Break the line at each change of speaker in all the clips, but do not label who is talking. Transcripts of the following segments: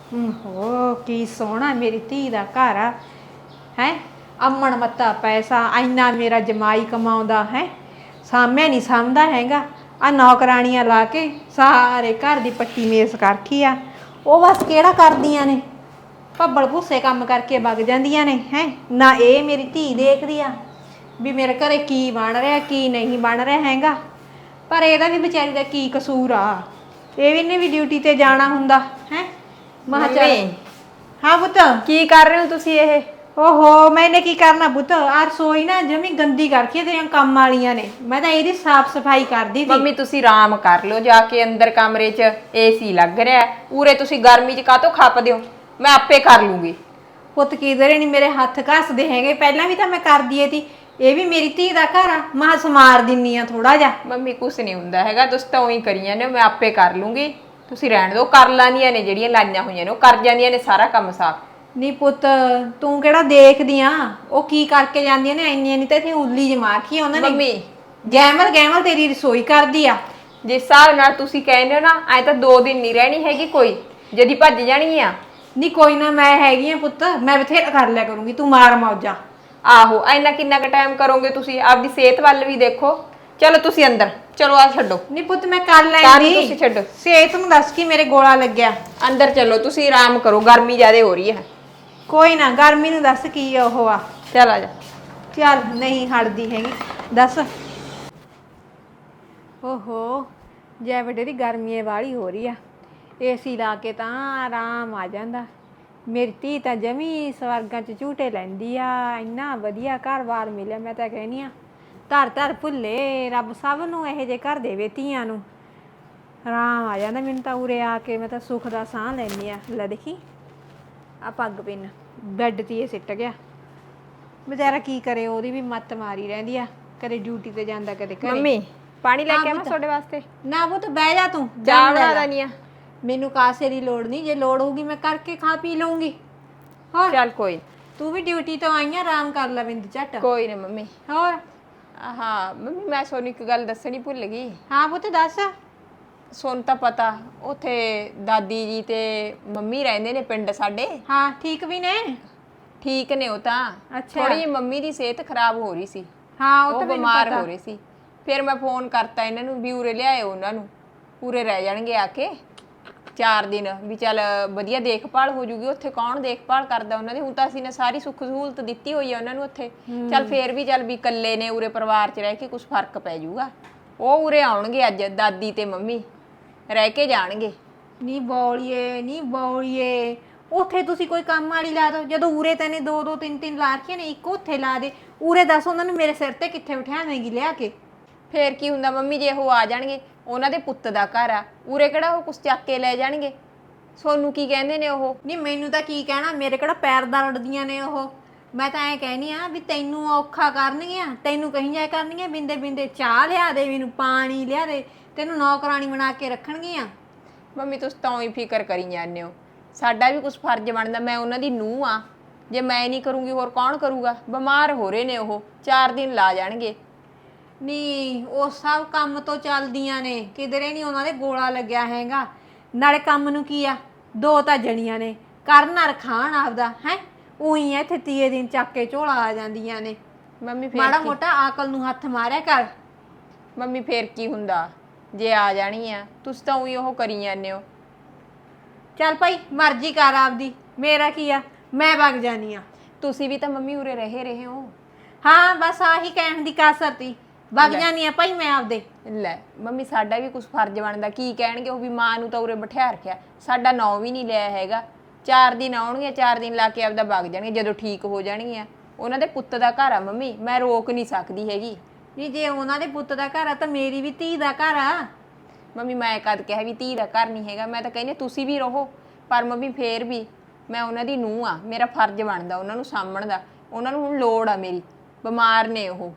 ਹੋ ਕੀ ਸੋਹਣਾ ਮੇਰੀ ਧੀ ਦਾ ਘਰ ਆ ਹੈ। ਅਮਨ ਮੱਤਾ ਪੈਸਾ ਇੰਨਾ ਮੇਰਾ ਜਮਾਈ ਕਮਾਉਂਦਾ ਹੈ, ਸਾਹਮਣੇ ਨਹੀਂ ਸਾਂਭਦਾ ਹੈਗਾ। ਆ ਨੌਕਰਾਣੀਆਂ ਲਾ ਕੇ ਸਾਰੇ ਘਰ ਦੀ ਪੱਟੀ ਮੇਸ ਕਰਖੀ ਆ। ਉਹ ਬਸ ਕਿਹੜਾ ਕਰਦੀਆਂ ਨੇ, ਭੱਬਲ ਭੁੱਸੇ ਕੰਮ ਕਰਕੇ ਵਗ ਜਾਂਦੀਆਂ ਨੇ ਹੈ। ਨਾ ਇਹ ਮੇਰੀ ਧੀ ਦੇਖਦੀ ਆ ਵੀ ਮੇਰੇ ਘਰੇ ਕੀ ਬਣ ਰਿਹਾ ਕੀ ਨਹੀਂ ਬਣ ਰਿਹਾ ਹੈਗਾ। ਪਰ ਇਹਦਾ ਵੀ ਵਿਚਾਰੀ ਦਾ ਕੀ ਕਸੂਰ ਆ, ਇਹ ਵੀ ਨੇ ਵੀ ਡਿਊਟੀ ਤੇ ਜਾਣਾ ਹੁੰਦਾ ਹੈ। ਮਹਾ ਚੱਲ ਹਾਂ ਪੁੱਤ।
ਕੀ ਕਰ ਰਹੇ ਹੋ ਤੁਸੀਂ ਇਹ?
ਓਹੋ ਮੈਨੇ ਕੀ ਕਰਨਾ ਪੁੱਤ, ਆ ਰਸੋਈ ਨਾ ਜਮੀ ਗੰਦੀ ਕਰਕੇ ਤੇਰੀਆਂ ਕੰਮ ਵਾਲੀਆਂ ਨੇ, ਮੈਂ ਤਾਂ ਇਹਦੀ ਸਾਫ਼ ਸਫਾਈ ਕਰਦੀ ਸੀ।
ਮੰਮੀ ਤੁਸੀਂ ਆਰਾਮ ਕਰ ਲਓ ਜਾ ਕੇ ਅੰਦਰ ਕਮਰੇ 'ਚ, ਏਸੀ ਲੱਗ ਰਿਹਾ। ਉਰੇ ਤੁਸੀਂ ਗਰਮੀ 'ਚ ਕਾਹਤੋਂ ਖੱਪਦੇ ਹੋ, ਮੈਂ ਆਪੇ ਕਰ ਲੂੰਗੀ।
ਪੁੱਤ ਕਿਧਰੇ ਨਹੀਂ ਮੇਰੇ ਹੱਥ ਘਸਦੇ ਹੈਗੇ, ਪਹਿਲਾਂ ਵੀ ਤਾਂ ਮੈਂ ਕਰਦੀ ਏ ਤੀ। ਇਹ ਵੀ ਮੇਰੀ ਧੀ ਦਾ ਘਰ ਆ, ਮਹਾ ਸਮਾਰ ਦਿੰਨੀ ਆ ਥੋੜਾ ਜਿਹਾ।
ਮੰਮੀ ਕੁਛ ਨਹੀਂ ਹੁੰਦਾ ਹੈਗਾ, ਤੁਸੀਂ ਤਾਂ ਉਹੀ ਕਰੀ ਜਾਂਦੇ ਹੋ, ਮੈਂ ਆਪੇ ਕਰ ਲੂੰਗੀ। ਤੁਸੀਂ ਰਹਿਣ ਦਿਓ, ਕਰ ਲਾਂਦੀਆਂ ਨੇ ਜਿਹੜੀਆਂ ਲਾਈਆਂ ਹੋਈਆਂ ਨੇ ਉਹ ਕਰ ਜਾਂਦੀਆਂ ਨੇ ਸਾਰਾ ਕੰਮ ਸਾਫ਼।
ਨਹੀਂ ਪੁੱਤ ਤੂੰ ਕਿਹੜਾ ਦੇਖਦੀ ਆ, ਉਹ ਕੀ ਕਰਕੇ ਜਾਂਦੀਆਂ ਨੇ ਇੰਨੀਆਂ ਨਹੀਂ ਤਾਂ ਇੱਥੇ ਉੱਲੀ ਜਮਾ ਰੱਖੀ ਉਹਨਾਂ ਨੇ।
ਮੰਮੀ
ਗੈਮਲ ਗੈਮਲ ਤੇਰੀ ਰਸੋਈ ਕਰਦੀ ਆ।
ਜਿਸ ਹਿਸਾਬ ਨਾਲ ਤੁਸੀਂ ਕਹਿੰਦੇ ਹੋ ਨਾ, ਐ ਤਾਂ 2 ਦਿਨ ਨਹੀਂ ਰਹਿਣੀ ਹੈਗੀ ਕੋਈ, ਜਦੀ ਭੱਜ ਜਾਣੀ ਆ।
ਨਹੀਂ ਕੋਈ ਨਾ, ਮੈਂ ਹੈਗੀ ਆ ਪੁੱਤ, ਮੈਂ ਬਥੇਰਾ ਕਰ ਲਿਆ ਕਰੂੰਗੀ, ਤੂੰ ਮਾਰ ਮੌਜਾਂ।
ਆਹੋ ਇੰਨਾ ਕਿੰਨਾ ਕੁ ਟਾਈਮ ਕਰੋਗੇ ਤੁਸੀਂ, ਆਪਦੀ ਸਿਹਤ ਵੱਲ ਵੀ ਦੇਖੋ। ਚਲੋ ਤੁਸੀਂ ਅੰਦਰ ਚਲੋ, ਆ ਛੱਡੋ।
ਨਹੀਂ ਪੁੱਤ ਮੈਂ ਕਰ
ਤੁਸੀਂ
ਲੈਂਦੀ,
ਛੱਡੋ।
ਸਿਹਤ ਨੂੰ ਦੱਸ ਕੀ ਮੇਰੇ ਗੋਲਾ ਲੱਗਿਆ।
ਅੰਦਰ ਚਲੋ ਤੁਸੀਂ ਆਰਾਮ ਕਰੋ, ਗਰਮੀ ਜ਼ਿਆਦਾ ਹੋ ਰਹੀ ਹੈ।
ਕੋਈ ਨਾ, ਗਰਮੀ ਨੂੰ ਦੱਸ ਕੀ ਉਹ ਆ।
ਚੱਲ ਆ ਜਾ।
ਚੱਲ ਨਹੀਂ ਹਟਦੀ ਹੈਗੀ, ਦੱਸ। ਓਹੋ ਜੈ ਵੱਡੇ ਦੀ ਗਰਮੀ ਵਾਲੀ ਹੋ ਰਹੀ ਆ, ਏਸੀ ਲਾ ਕੇ ਤਾਂ ਆਰਾਮ ਆ ਜਾਂਦਾ। ਮੇਰੀ ਧੀ ਤਾਂ ਜਮੀ ਸਵਰਗਾਂ 'ਚ ਝੂਟੇ ਲੈਂਦੀ ਆ, ਇੰਨਾ ਵਧੀਆ ਘਰ-ਬਾਰ ਮਿਲਿਆ। ਮੈਂ ਤਾਂ ਕਹਿੰਦੀ ਆ ਧਰ ਧਰ ਭੁੱਲੇ ਰੱਬ ਸਭ ਨੂੰ ਇਹੋ ਜਿਹੇ ਘਰ ਦੇਵੇ ਧੀਆਂ ਨੂੰ, ਆਰਾਮ ਆ ਜਾਂਦਾ ਮੈਨੂੰ ਤਾਂ। ਉਰੇ ਆ ਕੇ ਮੈਂ ਤਾਂ ਸੁੱਖ ਦਾ ਸਾਹ ਲੈਂਦੀ ਆ। ਲੈ ਦੇਖੀ ਆ ਪੱਗ ਪਿੰਨ ਬੈੱਡ 'ਤੇ ਇਹ ਸਿੱਟ ਗਿਆ ਬੇਚਾਰਾ, ਕੀ ਕਰੇ, ਉਹਦੀ ਵੀ ਮੱਤ ਮਾਰੀ ਰਹਿੰਦੀ ਆ, ਕਦੇ ਡਿਊਟੀ ਤੇ ਜਾਂਦਾ ਕਦੇ ਘਰੇ।
ਮੰਮੀ ਪਾਣੀ ਲੈ ਕੇ ਆਵਾਂ ਤੁਹਾਡੇ ਵਾਸਤੇ?
ਨਾ ਪੁੱਤ ਬਹਿ ਜਾ, ਤੂੰ
ਚਾਹ ਬਣਾ ਦੇਣੀ ਆ।
ਮੈਨੂੰ ਕਾਸੇ ਦੀ ਲੋੜ ਨਹੀਂ, ਜੇ ਲੋੜ ਹੋਊਗੀ ਮੈਂ ਕਰਕੇ ਖਾ ਪੀ ਲਊਂਗੀ। ਹੋਰ
ਚੱਲ ਕੋਈ,
ਤੂੰ ਵੀ ਡਿਊਟੀ ਤੋਂ ਆਈ ਆ, ਆਰਾਮ ਕਰ ਲੈ ਬਿੰਦ ਝੱਟ।
ਕੋਈ ਨਾ ਮੰਮੀ।
ਹੋਰ
ਹਾਂ ਮੰਮੀ ਮੈਂ ਸੋਨੂੰ ਇੱਕ ਗੱਲ ਦੱਸਣੀ ਭੁੱਲ ਗਈ।
ਹਾਂ ਪੁੱਤ ਦੱਸ।
ਸੋਨੂੰ ਤਾਂ ਪਤਾ ਉੱਥੇ ਦਾਦੀ ਜੀ ਤੇ ਮੰਮੀ ਰਹਿੰਦੇ ਨੇ ਪਿੰਡ ਸਾਡੇ।
ਹਾਂ ਠੀਕ ਵੀ ਨੇ।
ਠੀਕ ਨੇ ਉਹ ਤਾਂ,
ਅੱਛਾ।
ਥੋੜੀ ਜਿਹੀ ਮੰਮੀ ਦੀ ਸਿਹਤ ਖਰਾਬ ਹੋ ਰਹੀ ਸੀ।
ਹਾਂ ਉਹ
ਉਹ
ਤਾਂ ਮੈਨੂੰ
ਬਿਮਾਰ
ਪਤਾ।
ਹੋ ਰਹੇ ਸੀ। ਫਿਰ ਮੈਂ ਫੋਨ ਕਰਤਾ ਇਹਨਾਂ ਨੂੰ ਵੀ ਉਰੇ ਲਿਆਇਓ ਉਹਨਾਂ ਨੂੰ, ਪੂਰੇ ਰਹਿ ਜਾਣਗੇ ਆ ਕੇ 4 ਦਿਨ, ਵੀ ਚੱਲ ਵਧੀਆ ਦੇਖਭਾਲ ਹੋ ਜੂਗੀ। ਉੱਥੇ ਕੌਣ ਦੇਖਭਾਲ ਕਰਦਾ ਉਹਨਾਂ ਦੀ, ਹੁਣ ਤਾਂ ਅਸੀਂ ਨੇ ਸਾਰੀ ਸੁੱਖ ਸਹੂਲਤ ਦਿੱਤੀ ਹੋਈ ਆ ਉਹਨਾਂ ਨੂੰ ਉੱਥੇ। ਚੱਲ ਫੇਰ ਵੀ ਚੱਲ ਵੀ ਇਕੱਲੇ ਨੇ ਉਰੇ ਪਰਿਵਾਰ 'ਚ ਰਹਿ ਕੇ ਕੁਝ ਫਰਕ ਪੈ ਜਾਊਗਾ। ਉਹ ਉਰੇ ਆਉਣਗੇ ਅੱਜ, ਦਾਦੀ ਤੇ ਮੰਮੀ ਰਹਿ ਕੇ ਜਾਣਗੇ।
ਨੀ ਬੌਲੀਏ ਉੱਥੇ ਤੁਸੀਂ ਕੋਈ ਕੰਮ ਵਾਲੀ ਲਾ ਦੋ, ਜਦੋਂ ਉਰੇ ਤੈਨੇ 2-2 3-3 ਲਾ ਰੱਖੀਆਂ ਨੇ, ਇੱਕ ਉੱਥੇ ਲਾ ਦੇ। ਉਰੇ ਦੱਸ ਉਹਨਾਂ ਨੂੰ ਮੇਰੇ ਸਿਰ ਤੇ ਕਿੱਥੇ ਬਿਠਾਵੇਂਗੀ ਲਿਆ ਕੇ।
ਫੇਰ ਕੀ ਹੁੰਦਾ ਮੰਮੀ, ਜੇ ਉਹ ਆ ਜਾਣਗੇ, ਉਹਨਾਂ ਦੇ ਪੁੱਤ ਦਾ ਘਰ ਆ, ਉਰੇ ਕਿਹੜਾ ਉਹ ਕੁਛ ਚੱਕ ਕੇ ਲੈ ਜਾਣਗੇ। ਸੋਨੂੰ ਕੀ ਕਹਿੰਦੇ ਨੇ ਉਹ?
ਨਹੀਂ ਮੈਨੂੰ ਤਾਂ ਕੀ ਕਹਿਣਾ, ਮੇਰੇ ਕਿਹੜਾ ਪੈਰ ਦਾ ਲੜਦੀਆਂ ਨੇ ਉਹ। ਮੈਂ ਤਾਂ ਐਂ ਕਹਿਨੀ ਆ ਵੀ ਤੈਨੂੰ ਔਖਾ ਕਰਨਗੀਆਂ, ਤੈਨੂੰ ਕਹੀ ਜਾਇਆ ਕਰਨਗੀਆਂ ਬਿੰਦੇ ਬਿੰਦੇ ਚਾਹ ਲਿਆ ਦੇ, ਮੈਨੂੰ ਪਾਣੀ ਲਿਆ ਦੇ, ਤੈਨੂੰ ਨੌਕਰਾਣੀ ਬਣਾ ਕੇ ਰੱਖਣਗੀਆਂ।
ਮੰਮੀ ਤੁਸੀਂ ਤਾਂ ਹੀ ਫਿਕਰ ਕਰੀ ਜਾਂਦੇ ਹੋ, ਸਾਡਾ ਵੀ ਕੁਛ ਫਰਜ਼ ਬਣਦਾ। ਮੈਂ ਉਹਨਾਂ ਦੀ ਨੂੰਹ ਆ, ਜੇ ਮੈਂ ਨਹੀਂ ਕਰੂੰਗੀ ਹੋਰ ਕੌਣ ਕਰੂਗਾ। ਬਿਮਾਰ ਹੋ ਰਹੇ ਨੇ ਉਹ, 4 ਦਿਨ ਲਾ ਜਾਣਗੇ।
ਨਹੀਂ ਉਹ ਸਭ ਕੰਮ ਤੋਂ ਚੱਲਦੀਆਂ ਨੇ, ਕਿਧਰੇ ਨਹੀਂ ਉਹਨਾਂ ਦੇ ਗੋਲਾ ਲੱਗਿਆ ਹੈਗਾ। ਨਾਲੇ ਕੰਮ ਨੂੰ ਕੀ ਆ, 2 ਤਾਂ ਜਣੀਆਂ ਨੇ, ਕਰਨ ਔਰ ਖਾਣ ਆਪਦਾ ਹੈ। ਉਹੀ ਇੱਥੇ 30 ਦਿਨ ਚੱਕ ਕੇ ਝੋਲਾ ਆ ਜਾਂਦੀਆਂ ਨੇ।
ਮੰਮੀ ਫੇਰ
ਮਾੜਾ
ਕੀ?
ਮੋਟਾ ਆਕਲ ਨੂੰ ਹੱਥ ਮਾਰਿਆ ਕਰ।
ਮੰਮੀ ਫੇਰ ਕੀ ਹੁੰਦਾ, ਜੇ ਆ ਜਾਣੀ ਆ, ਤੁਸੀਂ ਤਾਂ ਉਹੀ ਉਹ ਕਰੀ ਜਾਂਦੇ ਹੋ।
ਚੱਲ ਭਾਈ ਮਰਜ਼ੀ ਕਰ ਆਪਦੀ, ਮੇਰਾ ਕੀ ਆ, ਮੈਂ ਵਗ ਜਾਨੀ ਆ।
ਤੁਸੀਂ ਵੀ ਤਾਂ ਮੰਮੀ ਉਰੇ ਰਹੇ ਹੋ।
ਹਾਂ ਬਸ ਆਹੀ ਕਹਿਣ ਦੀ ਕਾਸਰ ਤੀ, ਵਗ ਜਾਨੀ ਆ ਭਾਈ ਮੈਂ ਆਪਦੇ।
ਲੈ ਮੰਮੀ ਸਾਡਾ ਵੀ ਕੁਛ ਫਰਜ਼ ਬਣਦਾ। ਕੀ ਕਹਿਣਗੇ ਉਹ ਵੀ ਮਾਂ ਨੂੰ ਤਾਂ ਉਰੇ ਬਿਠਾ ਰੱਖਿਆ, ਸਾਡਾ ਨਾਂ ਵੀ ਨਹੀਂ ਲਿਆ ਹੈਗਾ। 4 ਦਿਨ ਆਉਣਗੇ, 4 ਦਿਨ ਲਾ ਕੇ ਆਪਦਾ ਵਗ ਜਾਣਗੇ ਜਦੋਂ ਠੀਕ ਹੋ ਜਾਣਗੀਆਂ। ਉਹਨਾਂ ਦੇ ਪੁੱਤ ਦਾ ਘਰ ਆ ਮੰਮੀ, ਮੈਂ ਰੋਕ ਨਹੀਂ ਸਕਦੀ ਹੈਗੀ।
ਨਹੀਂ ਜੇ ਉਹਨਾਂ ਦੇ ਪੁੱਤ ਦਾ ਘਰ ਆ ਤਾਂ ਮੇਰੀ ਵੀ ਧੀ ਦਾ ਘਰ ਆ।
ਮੰਮੀ ਮੈਂ ਕਦ ਕਿਹਾ ਵੀ ਧੀ ਦਾ ਘਰ ਨਹੀਂ ਹੈਗਾ, ਮੈਂ ਤਾਂ ਕਹਿੰਦੀ ਤੁਸੀਂ ਵੀ ਰਹੋ। ਪਰ ਮੰਮੀ ਫੇਰ ਵੀ ਮੈਂ ਉਹਨਾਂ ਦੀ ਨੂੰਹ ਆ, ਮੇਰਾ ਫਰਜ਼ ਬਣਦਾ ਉਹਨਾਂ ਨੂੰ ਸਾਂਭਣ ਦਾ। ਉਹਨਾਂ ਨੂੰ ਹੁਣ ਲੋੜ ਆ ਮੇਰੀ, ਬਿਮਾਰ ਨੇ ਉਹ।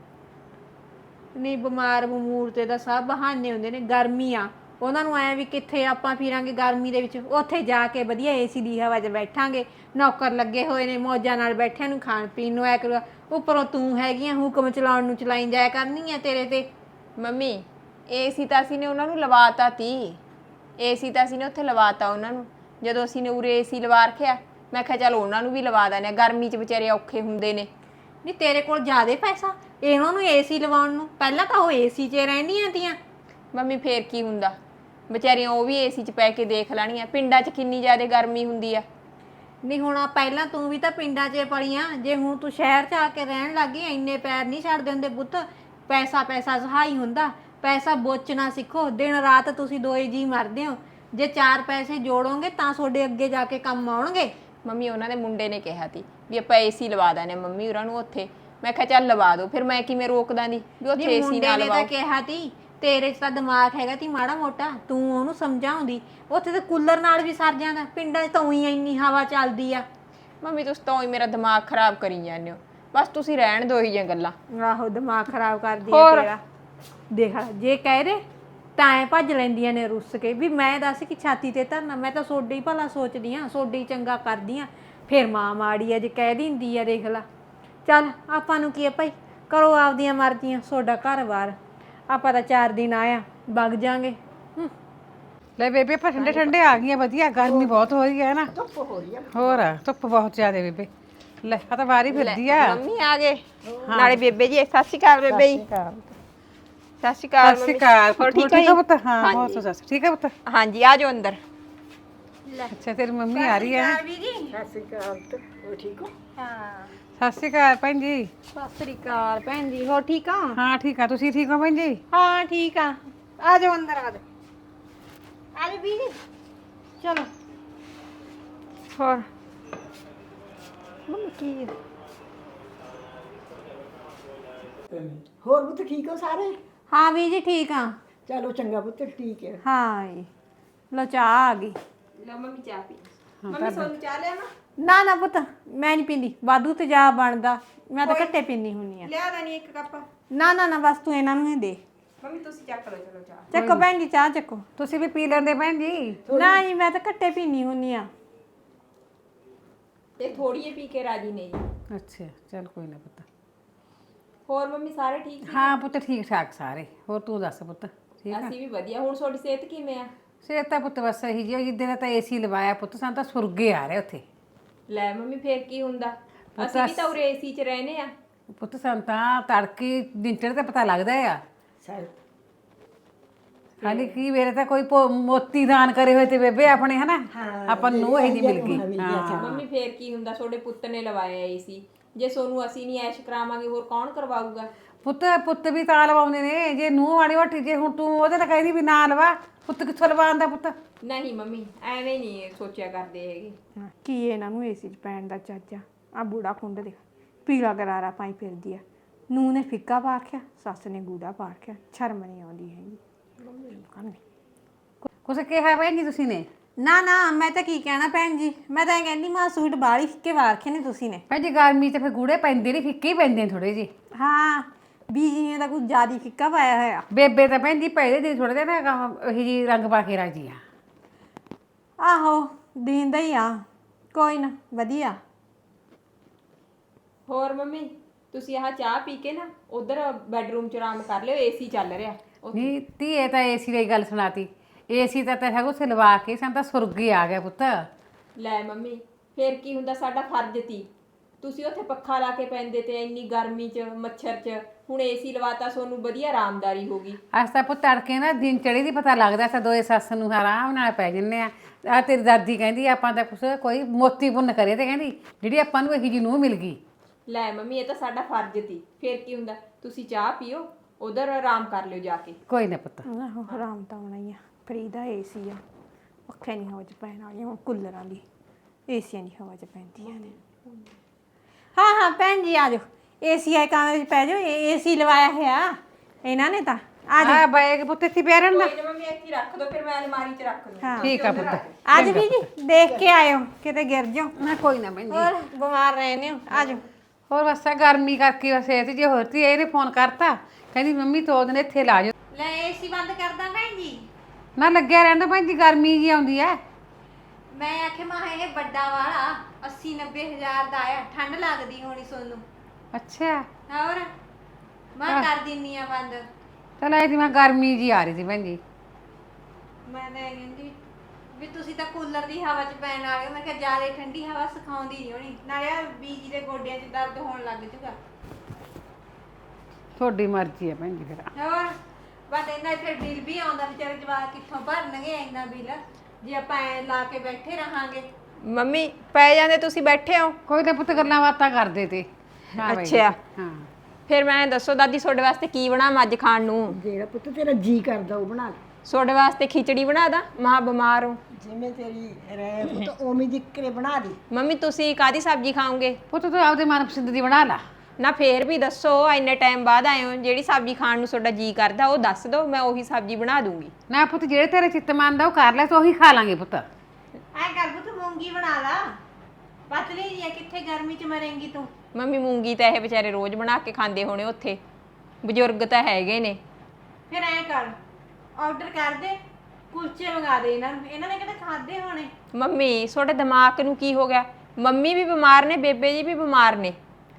ਨਹੀਂ ਬਿਮਾਰ ਬਮੂਰ ਤੇ ਤਾਂ ਸਭ ਬਹਾਨੇ ਹੁੰਦੇ ਨੇ, ਗਰਮੀ ਆ ਉਹਨਾਂ ਨੂੰ ਐ ਵੀ ਕਿੱਥੇ ਆਪਾਂ ਫਿਰਾਂਗੇ ਗਰਮੀ ਦੇ ਵਿੱਚ। ਉੱਥੇ ਜਾ ਕੇ ਵਧੀਆ ਏਸੀ ਦੀ ਹਵਾ 'ਚ ਬੈਠਾਂਗੇ, ਨੌਕਰ ਲੱਗੇ ਹੋਏ ਨੇ ਮੌਜਾਂ ਨਾਲ ਬੈਠਿਆਂ ਨੂੰ ਖਾਣ ਪੀਣ ਨੂੰ ਐ ਕਰੂਗਾ। ਉੱਪਰੋਂ ਤੂੰ ਹੈਗੀਆਂ ਹੁਕਮ ਚਲਾਉਣ ਨੂੰ ਚਲਾਈ ਜਾਇਆ ਕਰਨੀ ਆ ਤੇਰੇ ਤੇ।
ਮੰਮੀ ਏਸੀ ਤਾਂ ਅਸੀਂ ਨੇ ਉਹਨਾਂ ਨੂੰ ਲਵਾਤਾ ਤੀ, ਏਸੀ ਤਾਂ ਅਸੀਂ ਨੇ ਉੱਥੇ ਲਵਾਤਾ ਉਹਨਾਂ ਨੂੰ। ਜਦੋਂ ਅਸੀਂ ਨੇ ਉਰੇ ਏਸੀ ਲਵਾ ਰੱਖਿਆ ਮੈਂ ਕਿਹਾ ਚੱਲ ਉਹਨਾਂ ਨੂੰ ਵੀ ਲਵਾ ਦਿੰਦੇ ਆ, ਗਰਮੀ 'ਚ ਵਿਚਾਰੇ ਔਖੇ ਹੁੰਦੇ ਨੇ।
ਨਹੀਂ ਤੇਰੇ ਕੋਲ ਜ਼ਿਆਦੇ ਪੈਸਾ ਇਹਨਾਂ ਨੂੰ ਏਸੀ ਲਵਾਉਣ ਨੂੰ? ਪਹਿਲਾਂ ਤਾਂ ਉਹ ਏਸੀ 'ਚ ਰਹਿੰਦੀਆਂ ਤੀਆਂ।
ਮੰਮੀ ਫੇਰ ਕੀ ਹੁੰਦਾ, ਵਿਚਾਰੀਆਂ ਉਹ ਵੀ ਏਸੀ 'ਚ ਪੈ ਕੇ ਦੇਖ ਲੈਣੀਆਂ। ਪਿੰਡਾਂ 'ਚ ਕਿੰਨੀ ਜ਼ਿਆਦਾ ਗਰਮੀ ਹੁੰਦੀ ਆ।
ਨਹੀਂ ਹੁਣ ਪਹਿਲਾਂ ਤੂੰ ਵੀ ਤਾਂ ਪਿੰਡਾਂ 'ਚ ਪਲੀਆਂ, ਜੇ ਹੁਣ ਤੂੰ ਸ਼ਹਿਰ 'ਚ ਆ ਕੇ ਰਹਿਣ ਲੱਗੀ ਇੰਨੇ ਪੈਰ ਨਹੀਂ ਛੱਡਦੇ ਹੁੰਦੇ ਪੁੱਤ। ਪੈਸਾ ਪੈਸਾ ਸਹਾਈ ਹੁੰਦਾ, ਪੈਸਾ ਬੋਚਣਾ ਸਿੱਖੋ। ਦਿਨ ਰਾਤ ਤੁਸੀਂ ਦੋਏ ਜੀ ਮਰਦੇ ਹੋ, ਜੇ 4 ਪੈਸੇ ਜੋੜੋਗੇ ਤਾਂ ਤੁਹਾਡੇ ਅੱਗੇ ਜਾ ਕੇ ਕੰਮ ਆਉਣਗੇ।
ਮੰਮੀ ਉਹਨਾਂ ਦੇ ਮੁੰਡੇ ਨੇ ਕਿਹਾ ਤੀ ਵੀ ਆਪਾਂ ਏਸੀ ਲਵਾ ਦਾਨੇ ਮੰਮੀ ਉਹਨਾਂ ਨੂੰ ਉੱਥੇ। ਮੈਂ ਕਿਹਾ ਚੱਲ ਲਵਾ ਦੋ, ਫਿਰ ਮੈਂ ਕਿਵੇਂ ਰੋਕਦਾ ਦੀ ਵੀ ਉੱਥੇ ਏਸੀ
ਮੁੰਡੇ
ਨਾ
ਨੇ ਤਾਂ
ਲਵਾਓ।
ਕਿਹਾ ਤੀ, ਤੇਰੇ 'ਚ ਤਾਂ ਦਿਮਾਗ ਹੈਗਾ ਤੀ ਮਾੜਾ ਮੋਟਾ, ਤੂੰ ਉਹਨੂੰ ਸਮਝਾਉਂਦੀ। ਉੱਥੇ ਤਾਂ ਕੂਲਰ ਨਾਲ ਵੀ ਸਰ ਜਾਂਦਾ, ਪਿੰਡਾਂ 'ਚ ਤਾਂ ਉਹੀ ਇੰਨੀ ਹਵਾ ਚੱਲਦੀ ਆ।
ਮੰਮੀ ਤੁਸੀਂ ਤਾਂ ਹੀ ਮੇਰਾ ਦਿਮਾਗ ਖਰਾਬ ਕਰੀ ਜਾਂਦੇ ਹੋ, ਬਸ ਤੁਸੀਂ ਰਹਿਣ ਦਿਓ ਇਹੀ ਜਿਹੀਆਂ ਗੱਲਾਂ।
ਆਹੋ ਦਿਮਾਗ ਖਰਾਬ ਕਰਦੀ ਆ
ਹੋਰ?
ਤੇਰਾ। ਦੇਖ ਲੈ, ਜੇ ਕਹਿ ਦੇ ਤਾਂ ਐ ਭੱਜ ਲੈਂਦੀਆਂ ਨੇ ਰੁੱਸ ਕੇ ਵੀ ਮੈਂ ਦੱਸ ਕਿ ਛਾਤੀ ਤੇ ਧਰਨਾ। ਮੈਂ ਤਾਂ ਸੋਡੇ ਹੀ ਭਲਾ ਸੋਚਦੀ ਆ, ਸੋਡੇ ਹੀ ਚੰਗਾ ਕਰਦੀ ਆ। ਫਿਰ ਮਾਂ ਮਾੜੀ ਆ ਜੇ ਕਹਿ ਦਿੰਦੀ ਆ। ਦੇਖ ਲੈ, ਚੱਲ ਆਪਾਂ ਨੂੰ ਕੀ ਆ ਭਾਈ, ਕਰੋ ਆਪਦੀਆਂ ਮਰਜ਼ੀਆਂ, ਸੋਡਾ ਘਰ-ਬਾਰ। ਆਪਾਂ ਤਾਂ 4 ਦਿਨ ਆਇਆ ਵਗ ਜਾਾਂਗੇ।
ਲੈ ਬੇਬੇ ਆਪਾਂ ਠੰਡੇ ਠੰਡੇ ਆ ਗਈਆਂ, ਵਧੀਆ। ਗਰਮੀ ਬਹੁਤ ਹੋ ਰਹੀ ਹੈ ਨਾ। ਧੁੱਪ ਹੋ ਰਹੀ ਹੈ। ਹੋਰ ਧੁੱਪ ਬਹੁਤ ਜ਼ਿਆਦਾ ਬੇਬੇ। ਲੈ ਆ ਤਾਂ ਵਾਰੀ ਫਿਰਦੀ ਆ।
ਮੰਮੀ ਆ ਗਏ ਨਾਲੇ ਬੇਬੇ ਜੀ। ਸਤਿ ਸ਼੍ਰੀ ਅਕਾਲ ਬੇਬੇ ਜੀ। ਸਤਿ ਸ਼੍ਰੀ ਅਕਾਲ।
ਸਤਿ ਸ਼੍ਰੀ ਅਕਾਲ।
ਹੋਰ ਠੀਕ
ਹੈ
ਹੈ
ਪੁੱਤ? ਹਾਂ ਬਹੁਤ ਸੱਸ ਠੀਕ ਹੈ ਪੁੱਤ।
ਹਾਂਜੀ ਆ ਜਾਓ ਅੰਦਰ।
ਅੱਛਾ ਤੇਰੀ ਮੰਮੀ ਆ ਰਹੀ ਹੈ।
ਸਤਿ ਸ਼੍ਰੀ ਅਕਾਲ
ਭੈਣ ਜੀ।
ਸਤਿ ਸ਼੍ਰੀ ਅਕਾਲ ਭੈਣ ਜੀ। ਹੋਰ ਠੀਕ ਆ?
ਹਾਂ ਠੀਕ ਆ, ਤੁਸੀਂ ਠੀਕ ਹੋ ਭੈਣ ਜੀ?
ਹਾਂ ਠੀਕ ਆ। ਆ ਜਾਓ ਅੰਦਰ, ਆ ਜਾਓ ਆ ਜਾਓ ਬੀਜੀ, ਚਲੋ।
ਹੋਰ
ਮੰਮੀ ਕੀ
ਹੋਰ ਪੁੱਤ ਠੀਕ ਹੋ ਸਾਰੇ?
ਹਾਂ ਬੀਜੀ ਠੀਕ ਆ।
ਚਲੋ ਚੰਗਾ ਪੁੱਤ, ਠੀਕ ਹੈ।
ਹਾਂ ਜੀ, ਲੋ ਚਾਹ ਆ ਗਈ।
ਲਓ ਮੰਮੀ ਚਾਹ ਪੀ। ਮੰਮੀ ਸੋਨੂੰ ਚਾਹ ਲਿਆ
ਨਾ ਨਾ ਪੁੱਤ, ਮੈਂ ਨਹੀਂ ਪੀਂਦੀ, ਵਾਧੂ ਤੇ ਜਾ ਬਣਦਾ। ਮੈਂ ਤਾਂ ਘੱਟੇ ਪੀਂਦੀ ਹੁੰਨੀ ਆ।
ਲਿਆ ਦਾ ਨਹੀਂ ਇੱਕ ਕੱਪ।
ਨਾ ਨਾ ਨਾ, ਬਸ ਤੂੰ ਇਹਨਾਂ ਨੂੰ ਹੀ ਦੇ।
ਮੰਮੀ ਤੁਸੀਂ ਚੱਕ ਲਓ, ਚਲੋ ਚਾਹ।
ਚੱਕੋ ਭੈਣ ਜੀ, ਚਾਹ ਚੱਕੋ।
ਤੁਸੀਂ ਵੀ ਪੀ ਲੈਂਦੇ ਭੈਣ ਜੀ।
ਨਾ ਜੀ, ਮੈਂ ਤਾਂ ਘੱਟੇ ਪੀਂਦੀ ਹੁੰਨੀ ਆ।
ਤੇ ਥੋੜੀ ਜਿਹੀ ਪੀ ਕੇ ਰਾਜੀ ਨੇ ਜੀ।
ਅੱਛਾ ਚੱਲ ਕੋਈ ਨਾ ਪੁੱਤ।
ਹੋਰ ਮੰਮੀ ਸਾਰੇ ਠੀਕ?
ਹਾਂ ਪੁੱਤ ਠੀਕ ਠਾਕ ਸਾਰੇ। ਹੋਰ ਤੂੰ ਦੱਸ ਪੁੱਤ, ਠੀਕ ਆ?
ਅਸੀਂ ਵੀ ਵਧੀਆ। ਹੁਣ ਤੁਹਾਡੀ ਸਿਹਤ ਕਿਵੇਂ ਆ?
ਸਿਹਤ ਤਾਂ ਪੁੱਤ ਬਸ ਇਹੀ ਜਿਹੀ। ਜਿੱਦੇ ਦਾ ਤਾਂ ਏਸੀ ਲਵਾਇਆ ਪੁੱਤ, ਸਾਨੂੰ ਤਾਂ ਸੁਰਗੇ ਆ ਰਿਹਾ ਉੱਥੇ।
ਲੈ ਮੰਮੀ ਫੇਰ ਕੀ ਹੁੰਦਾ, ਅਸੀਂ ਵੀ ਤਾਂ ਉਰੇ ਏਸੀ 'ਚ ਰਹਿੰਦੇ ਆ।
ਪੁੱਤ ਸਾਨੂੰ ਤਾਂ ਤੜਕੇ ਦਿਨ ਚੜ੍ਹਦੇ ਤਾਂ ਪਤਾ ਲੱਗਦਾ ਆ।
ਸਾਰੇ
ਹਾਲੇ ਕੀ ਮੇਰੇ ਤਾਂ ਕੋਈ ਮੋਤੀ ਦਾਨ ਕਰੇ ਹੋਏ ਤੇ ਬੇਬੇ ਆਪਣੇ ਹਨਾ, ਆਪਾਂ ਨੂੰ ਇਹ ਨਹੀਂ ਮਿਲ ਗਈ। ਹਾਂ
ਮੰਮੀ ਫੇਰ ਕੀ ਹੁੰਦਾ, ਤੁਹਾਡੇ ਪੁੱਤ ਨੇ ਲਵਾਇਆ ਏਸੀ। ਜੇ ਸੋਨੂੰ ਅਸੀਂ ਨਹੀਂ ਐਸ਼ ਕਰਾਵਾਂਗੇ ਹੋਰ ਕੌਣ ਕਰਵਾਊਗਾ?
ਪੁੱਤ ਵੀ ਤਾਂ ਲਵਾਉਂਦੇ ਨੇ। ਜੇ ਨੂੰਹ ਵਾਲੀ ਹੱਟੀ, ਜੇ ਹੁਣ ਤੂੰ ਉਹਦੇ ਨਾਲ ਕਹਿੰਦੀ ਵੀ ਨਾ ਲਵਾ, ਪੁੱਤ ਕਿੱਥੋਂ ਲਵਾਉਂਦਾ ਪੁੱਤ?
ਨਹੀਂ ਮੰਮੀ ਐਵੇਂ ਨਹੀਂ ਸੋਚਿਆ ਕਰਦੇ ਹੈਗੇ।
ਕੀ ਇਹਨਾਂ ਨੂੰ ਏਸੀ 'ਚ ਪੈਣ ਦਾ ਚਾਚਾ? ਆ ਬੂੜਾ ਖੁੰਡ ਦੇਖ, ਪੀਲਾ ਗਰਾਰਾ ਪਾਈ ਫਿਰਦੀ ਆ। ਨੂੰਹ ਨੇ ਫਿੱਕਾ ਪਾ ਰੱਖਿਆ, ਸੱਸ ਨੇ ਗੂੜਾ ਪਾ ਰੱਖਿਆ। ਸ਼ਰਮ ਨਹੀਂ ਆਉਂਦੀ ਹੈਗੀ।
ਕੁਛ ਕਿਹਾ ਭੈਣ ਜੀ ਤੁਸੀਂ ਨੇ?
ਨਾ ਨਾ, ਮੈਂ ਤਾਂ ਕੀ ਕਹਿਣਾ ਭੈਣ ਜੀ, ਮੈਂ ਤਾਂ ਇਹ ਕਹਿੰਦੀ ਮਾਂ ਸੂਟ ਬਾਹਲੀ ਫਿੱਕੇ ਪਾ ਰੱਖੇ ਨੇ ਤੁਸੀਂ ਨੇ।
ਭੈਣ ਜੀ ਗਰਮੀ 'ਚ ਫਿਰ ਗੂੜੇ ਪੈਂਦੇ ਨਹੀਂ, ਫਿੱਕੇ ਹੀ ਪੈਂਦੇ ਨੇ ਥੋੜੇ ਜਿਹੇ।
ਹਾਂ, ਬੀਜੀ ਨੇ ਤਾਂ ਕੁਝ ਜ਼ਿਆਦਾ ਫਿੱਕਾ ਪਾਇਆ ਹੋਇਆ।
ਬੇਬੇ ਤਾਂ ਭੈਣ ਜੀ ਪਹਿਲੇ ਦਿਨ ਥੋੜੇ ਜਿਹਾ ਨਾ ਇਹੀ ਜੀ ਰੰਗ ਪਾ ਕੇ ਰਾਜੀ ਆ।
ਆਹੋ ਦੀਂਦਾ ਹੀ ਆ, ਕੋਈ ਨਾ ਵਧੀਆ।
ਹੋਰ ਮੰਮੀ ਤੁਸੀਂ ਆਹ ਚਾਹ ਪੀ ਕੇ ਨਾ ਉਧਰ ਬੈੱਡਰੂਮ 'ਚ ਆਰਾਮ ਕਰ ਲਿਓ, ਏਸੀ ਚੱਲ ਰਿਹਾ।
ਨਹੀਂ ਧੀਏ ਤਾਂ ਏਸੀ ਦੀ ਗੱਲ ਸੁਣਾਤੀ। ਏਸੀ ਤਾਂ ਹੈਗਾ ਉੱਥੇ ਲਵਾ ਕੇ ਸਾਨੂੰ ਤਾਂ ਸੁਰਗੇ ਆ ਗਿਆ ਪੁੱਤ।
ਲੈ ਮੰਮੀ ਫੇਰ ਕੀ ਹੁੰਦਾ, ਸਾਡਾ ਫਰਜ਼ ਤੀ। ਤੁਸੀਂ ਉੱਥੇ ਪੱਖਾ ਲਾ ਕੇ ਪੈਂਦੇ ਤੇ ਇੰਨੀ ਗਰਮੀ 'ਚ ਮੱਛਰ 'ਚ, ਹੁਣ ਏਸੀ ਲਵਾਤਾ, ਤੁਹਾਨੂੰ ਵਧੀਆ ਆਰਾਮਦਾਰੀ ਹੋਗੀ।
ਅੱਜ ਤਾਂ ਪੁੱਤ ਤੜਕੇ ਨਾ ਦਿਨ ਚੜੀ ਦੀ ਪਤਾ ਲੱਗਦਾ। ਤਾਂ ਦੋਏ ਸੱਸ ਨੂੰ ਆਰਾਮ ਨਾਲ ਪੈ ਜੰਨੇ ਆ। ਆ ਤੇਰੀ ਦਾਦੀ ਕਹਿੰਦੀ ਆਪਾਂ ਤਾਂ ਕੁਛ ਕੋਈ ਮੋਤੀ ਪੁੰਨ ਕਰੇ, ਤੇ ਕਹਿੰਦੀ ਜਿਹੜੀ ਆਪਾਂ ਨੂੰ ਇਹੀ ਜਿਹੀ ਨੂੰਹ ਮਿਲ ਗਈ।
ਲੈ ਮੰਮੀ ਇਹ ਤਾਂ ਸਾਡਾ ਫਰਜ਼ ਤੀ। ਫੇਰ ਕੀ ਹੁੰਦਾ, ਤੁਸੀਂ ਚਾਹ ਪੀਓ, ਉਧਰ ਆਰਾਮ ਕਰ ਲਿਓ ਜਾ ਕੇ।
ਕੋਈ ਨਾ ਪੁੱਤ।
ਆਹੋ ਆਰਾਮ ਤਾਂ ਆਉਣਾ ਹੀ ਆ। ਫਰੀ ਦਾ ਏਸੀ ਆ, ਪੱਖੇ ਨਹੀਂ ਹਵਾ 'ਚ ਪੈਣ ਵਾਲੀਆਂ, ਹੁਣ ਕੂਲਰਾਂ ਦੀ ਏਸੀਆਂ ਦੀ ਹਵਾ 'ਚ ਪੈਂਦੀਆਂ ਨੇ। ਹਾਂ ਹਾਂ ਭੈਣ ਜੀ ਆ ਜਾਓ, ਏਸੀ ਆਏ ਕਮਰੇ 'ਚ ਪੈ ਜਾਓ। ਏਸੀ ਲਵਾਇਆ ਹੋਇਆ ਇਹਨਾਂ ਨੇ ਤਾਂ। ਆ ਜਾਓ।
ਆ ਬੈਗ ਪੁੱਤ ਇੱਥੇ ਪਿਆ ਰਹਿਣ ਦਾ।
ਕੋਈ ਨਾ ਮੰਮੀ ਇੱਥੇ ਹੀ ਰੱਖ ਦੋ, ਫਿਰ ਮੈਂ ਅਲਮਾਰੀ 'ਚ ਰੱਖ ਦੂੰ।
ਹਾਂ
ਠੀਕ ਆ ਪੁੱਤ।
ਆ ਜਾਓ ਬੀਜੀ, ਦੇਖ ਕੇ ਆਇਓ ਕਿਤੇ ਗਿਰ ਜਾਓ।
ਨਾ ਕੋਈ ਨਾ ਭੈਣ ਜੀ।
ਹੋਰ ਬਿਮਾਰ ਰਹਿੰਦੇ ਹੋ, ਆ ਜਾਓ।
ਹੋਰ ਬਸ ਆ ਗਰਮੀ ਕਰਕੇ ਬਸ ਇਹ ਜੇ ਹੋਰ ਤੀ ਇਹਨੇ ਫੋਨ ਕਰਤਾ, ਕਹਿੰਦੀ ਮੰਮੀ 2 ਦਿਨ ਇੱਥੇ ਲਾ ਜਾਓ।
ਲੈ ਏਸੀ ਬੰਦ ਕਰਦਾ ਭੈਣ ਜੀ।
ਨਾ ਲੱਗਿਆ ਰਹਿੰਦਾ ਭੈਣ ਜੀ, ਗਰਮੀ ਜੀ ਆਉਂਦੀ ਐ।
ਮੈਂ ਆਖਿਆ ਮਾ ਇਹ ਵੱਡਾ ਵਾਲਾ 80-90 ਹਜ਼ਾਰ ਦਾ ਆਇਆ, ਠੰਡ ਲੱਗਦੀ ਹੋਣੀ ਸੋਨੂੰ।
ਅੱਛਾ
ਹੋਰ ਮੈਂ ਕਰ ਦਿੰਨੀ ਆ ਬੰਦ।
ਚਲ ਐ ਮੈਂ ਗਰਮੀ ਜੀ ਆ ਰਹੀ ਸੀ ਭੈਣ ਜੀ।
ਮੈਂ ਤਾਂ ਇਹ ਕਹਿੰਦੀ ਵੀ ਤੁਸੀਂ ਤਾਂ ਕੂਲਰ ਦੀ ਹਵਾ 'ਚ ਪੈਣ ਵਾਲੇ ਹੋ। ਮੈਂ ਕਿਹਾ ਜ਼ਿਆਦਾ ਠੰਡੀ ਹਵਾ ਸਿਖਾਉਂਦੀ ਨਹੀਂ ਹੋਣੀ, ਨਾਲੇ ਆ ਬੀਜੀ ਦੇ ਗੋਡਿਆਂ 'ਚ ਦਰਦ ਹੋਣ ਲੱਗ ਜੂਗਾ।
ਤੁਹਾਡੀ ਮਰਜ਼ੀ ਹੈ ਭੈਣ ਜੀ ਫਿਰ।
ਹੋਰ ਬਸ ਇੰਨਾ ਫਿਰ ਬਿੱਲ ਵੀ ਆਉਂਦਾ, ਵਿਚਾਰੇ ਜਵਾਕ ਕਿੱਥੋਂ ਭਰਨਗੇ ਇੰਨਾ ਬਿੱਲ ਜੇ ਆਪਾਂ ਐ ਲਾ ਕੇ ਬੈਠੇ ਰਹਾਂਗੇ।
ਮੰਮੀ ਪੈ ਜਾਂਦੇ, ਤੁਸੀਂ ਬੈਠੇ ਹੋ।
ਕੋਈ ਤਾਂ ਪੁੱਤ ਗੱਲਾਂ ਬਾਤਾਂ ਕਰਦੇ ਤੇ। ਹਾਂ ਬਾਈ।
ਅੱਛਾ
ਹਾਂ
ਫਿਰ ਮੈਂ ਦੱਸੋ ਦਾਦੀ, ਤੁਹਾਡੇ ਵਾਸਤੇ ਕੀ ਬਣਾਵਾਂ ਅੱਜ ਖਾਣ ਨੂੰ?
ਜਿਹੜਾ ਪੁੱਤ ਤੇਰਾ ਜੀ ਕਰਦਾ ਉਹ ਬਣਾ ਲੈ।
ਤੁਹਾਡੇ ਵਾਸਤੇ ਖਿਚੜੀ ਬਣਾ ਦਾਂ? ਮਾਂ ਬਿਮਾਰ ਹੋ।
ਜਿਵੇਂ ਤੇਰੀ ਰਹਿ ਪੁੱਤ ਉਵੇਂ ਦੀ ਕਰੇ ਬਣਾ ਦੇ।
ਮੰਮੀ ਤੁਸੀਂ ਕਾਦੀ ਸਬਜ਼ੀ ਖਾਓਗੇ?
ਪੁੱਤ ਤੂੰ ਆਪਦੇ ਮਨਪਸੰਦ ਦੀ ਬਣਾ ਲਾ।
ਨਾ ਫੇਰ ਵੀ ਦੱਸੋ, ਇੰਨੇ ਟਾਈਮ ਬਾਅਦ ਆਏ ਹੋ, ਜਿਹੜੀ ਸਬਜ਼ੀ ਖਾਣ ਨੂੰ ਤੁਹਾਡਾ ਜੀ ਕਰਦਾ ਉਹ ਦੱਸ ਦਿਓ, ਮੈਂ ਉਹੀ ਸਬਜ਼ੀ ਬਣਾ ਦੂੰਗੀ।
ਨਾ ਪੁੱਤ ਜਿਹੜੇ ਤੇਰੇ ਚਿੱਤ ਮੰਨਦਾ ਉਹ ਕਰ ਲੈ, ਤੂੰ ਉਹੀ ਖਾ ਲਾਂਗੇ ਪੁੱਤ।
ਐ ਕਰ ਤੂੰ ਮੂੰਗੀ ਬਣਾ ਲਾ, ਪਤਲੀ ਜੀ ਆ, ਕਿੱਥੇ ਗਰਮੀ 'ਚ ਮਰੇਂਗੀ ਤੂੰ।
ਮੰਮੀ ਮੂੰਗੀ ਤਾਂ ਇਹ ਵਿਚਾਰੇ ਰੋਜ਼ ਬਣਾ ਕੇ ਖਾਂਦੇ ਹੋਣੇ, ਉੱਥੇ ਬਜ਼ੁਰਗ ਤਾਂ ਹੈਗੇ ਨੇ।
ਫਿਰ ਐ ਕਰ, ਆਰਡਰ ਕਰ ਦੇ, ਕੁਲਚੇ ਮੰਗਾ ਦੇ ਇਹਨਾਂ ਨੂੰ, ਇਹਨਾਂ ਨੇ ਕਿਹੜੇ ਖਾਦੇ ਹੋਣੇ।
ਮੰਮੀ ਤੁਹਾਡੇ ਦਿਮਾਗ ਨੂੰ ਕੀ ਹੋ ਗਿਆ? ਮੰਮੀ ਵੀ ਬਿਮਾਰ ਨੇ, ਬੇਬੇ ਜੀ ਵੀ ਬਿਮਾਰ ਨੇ,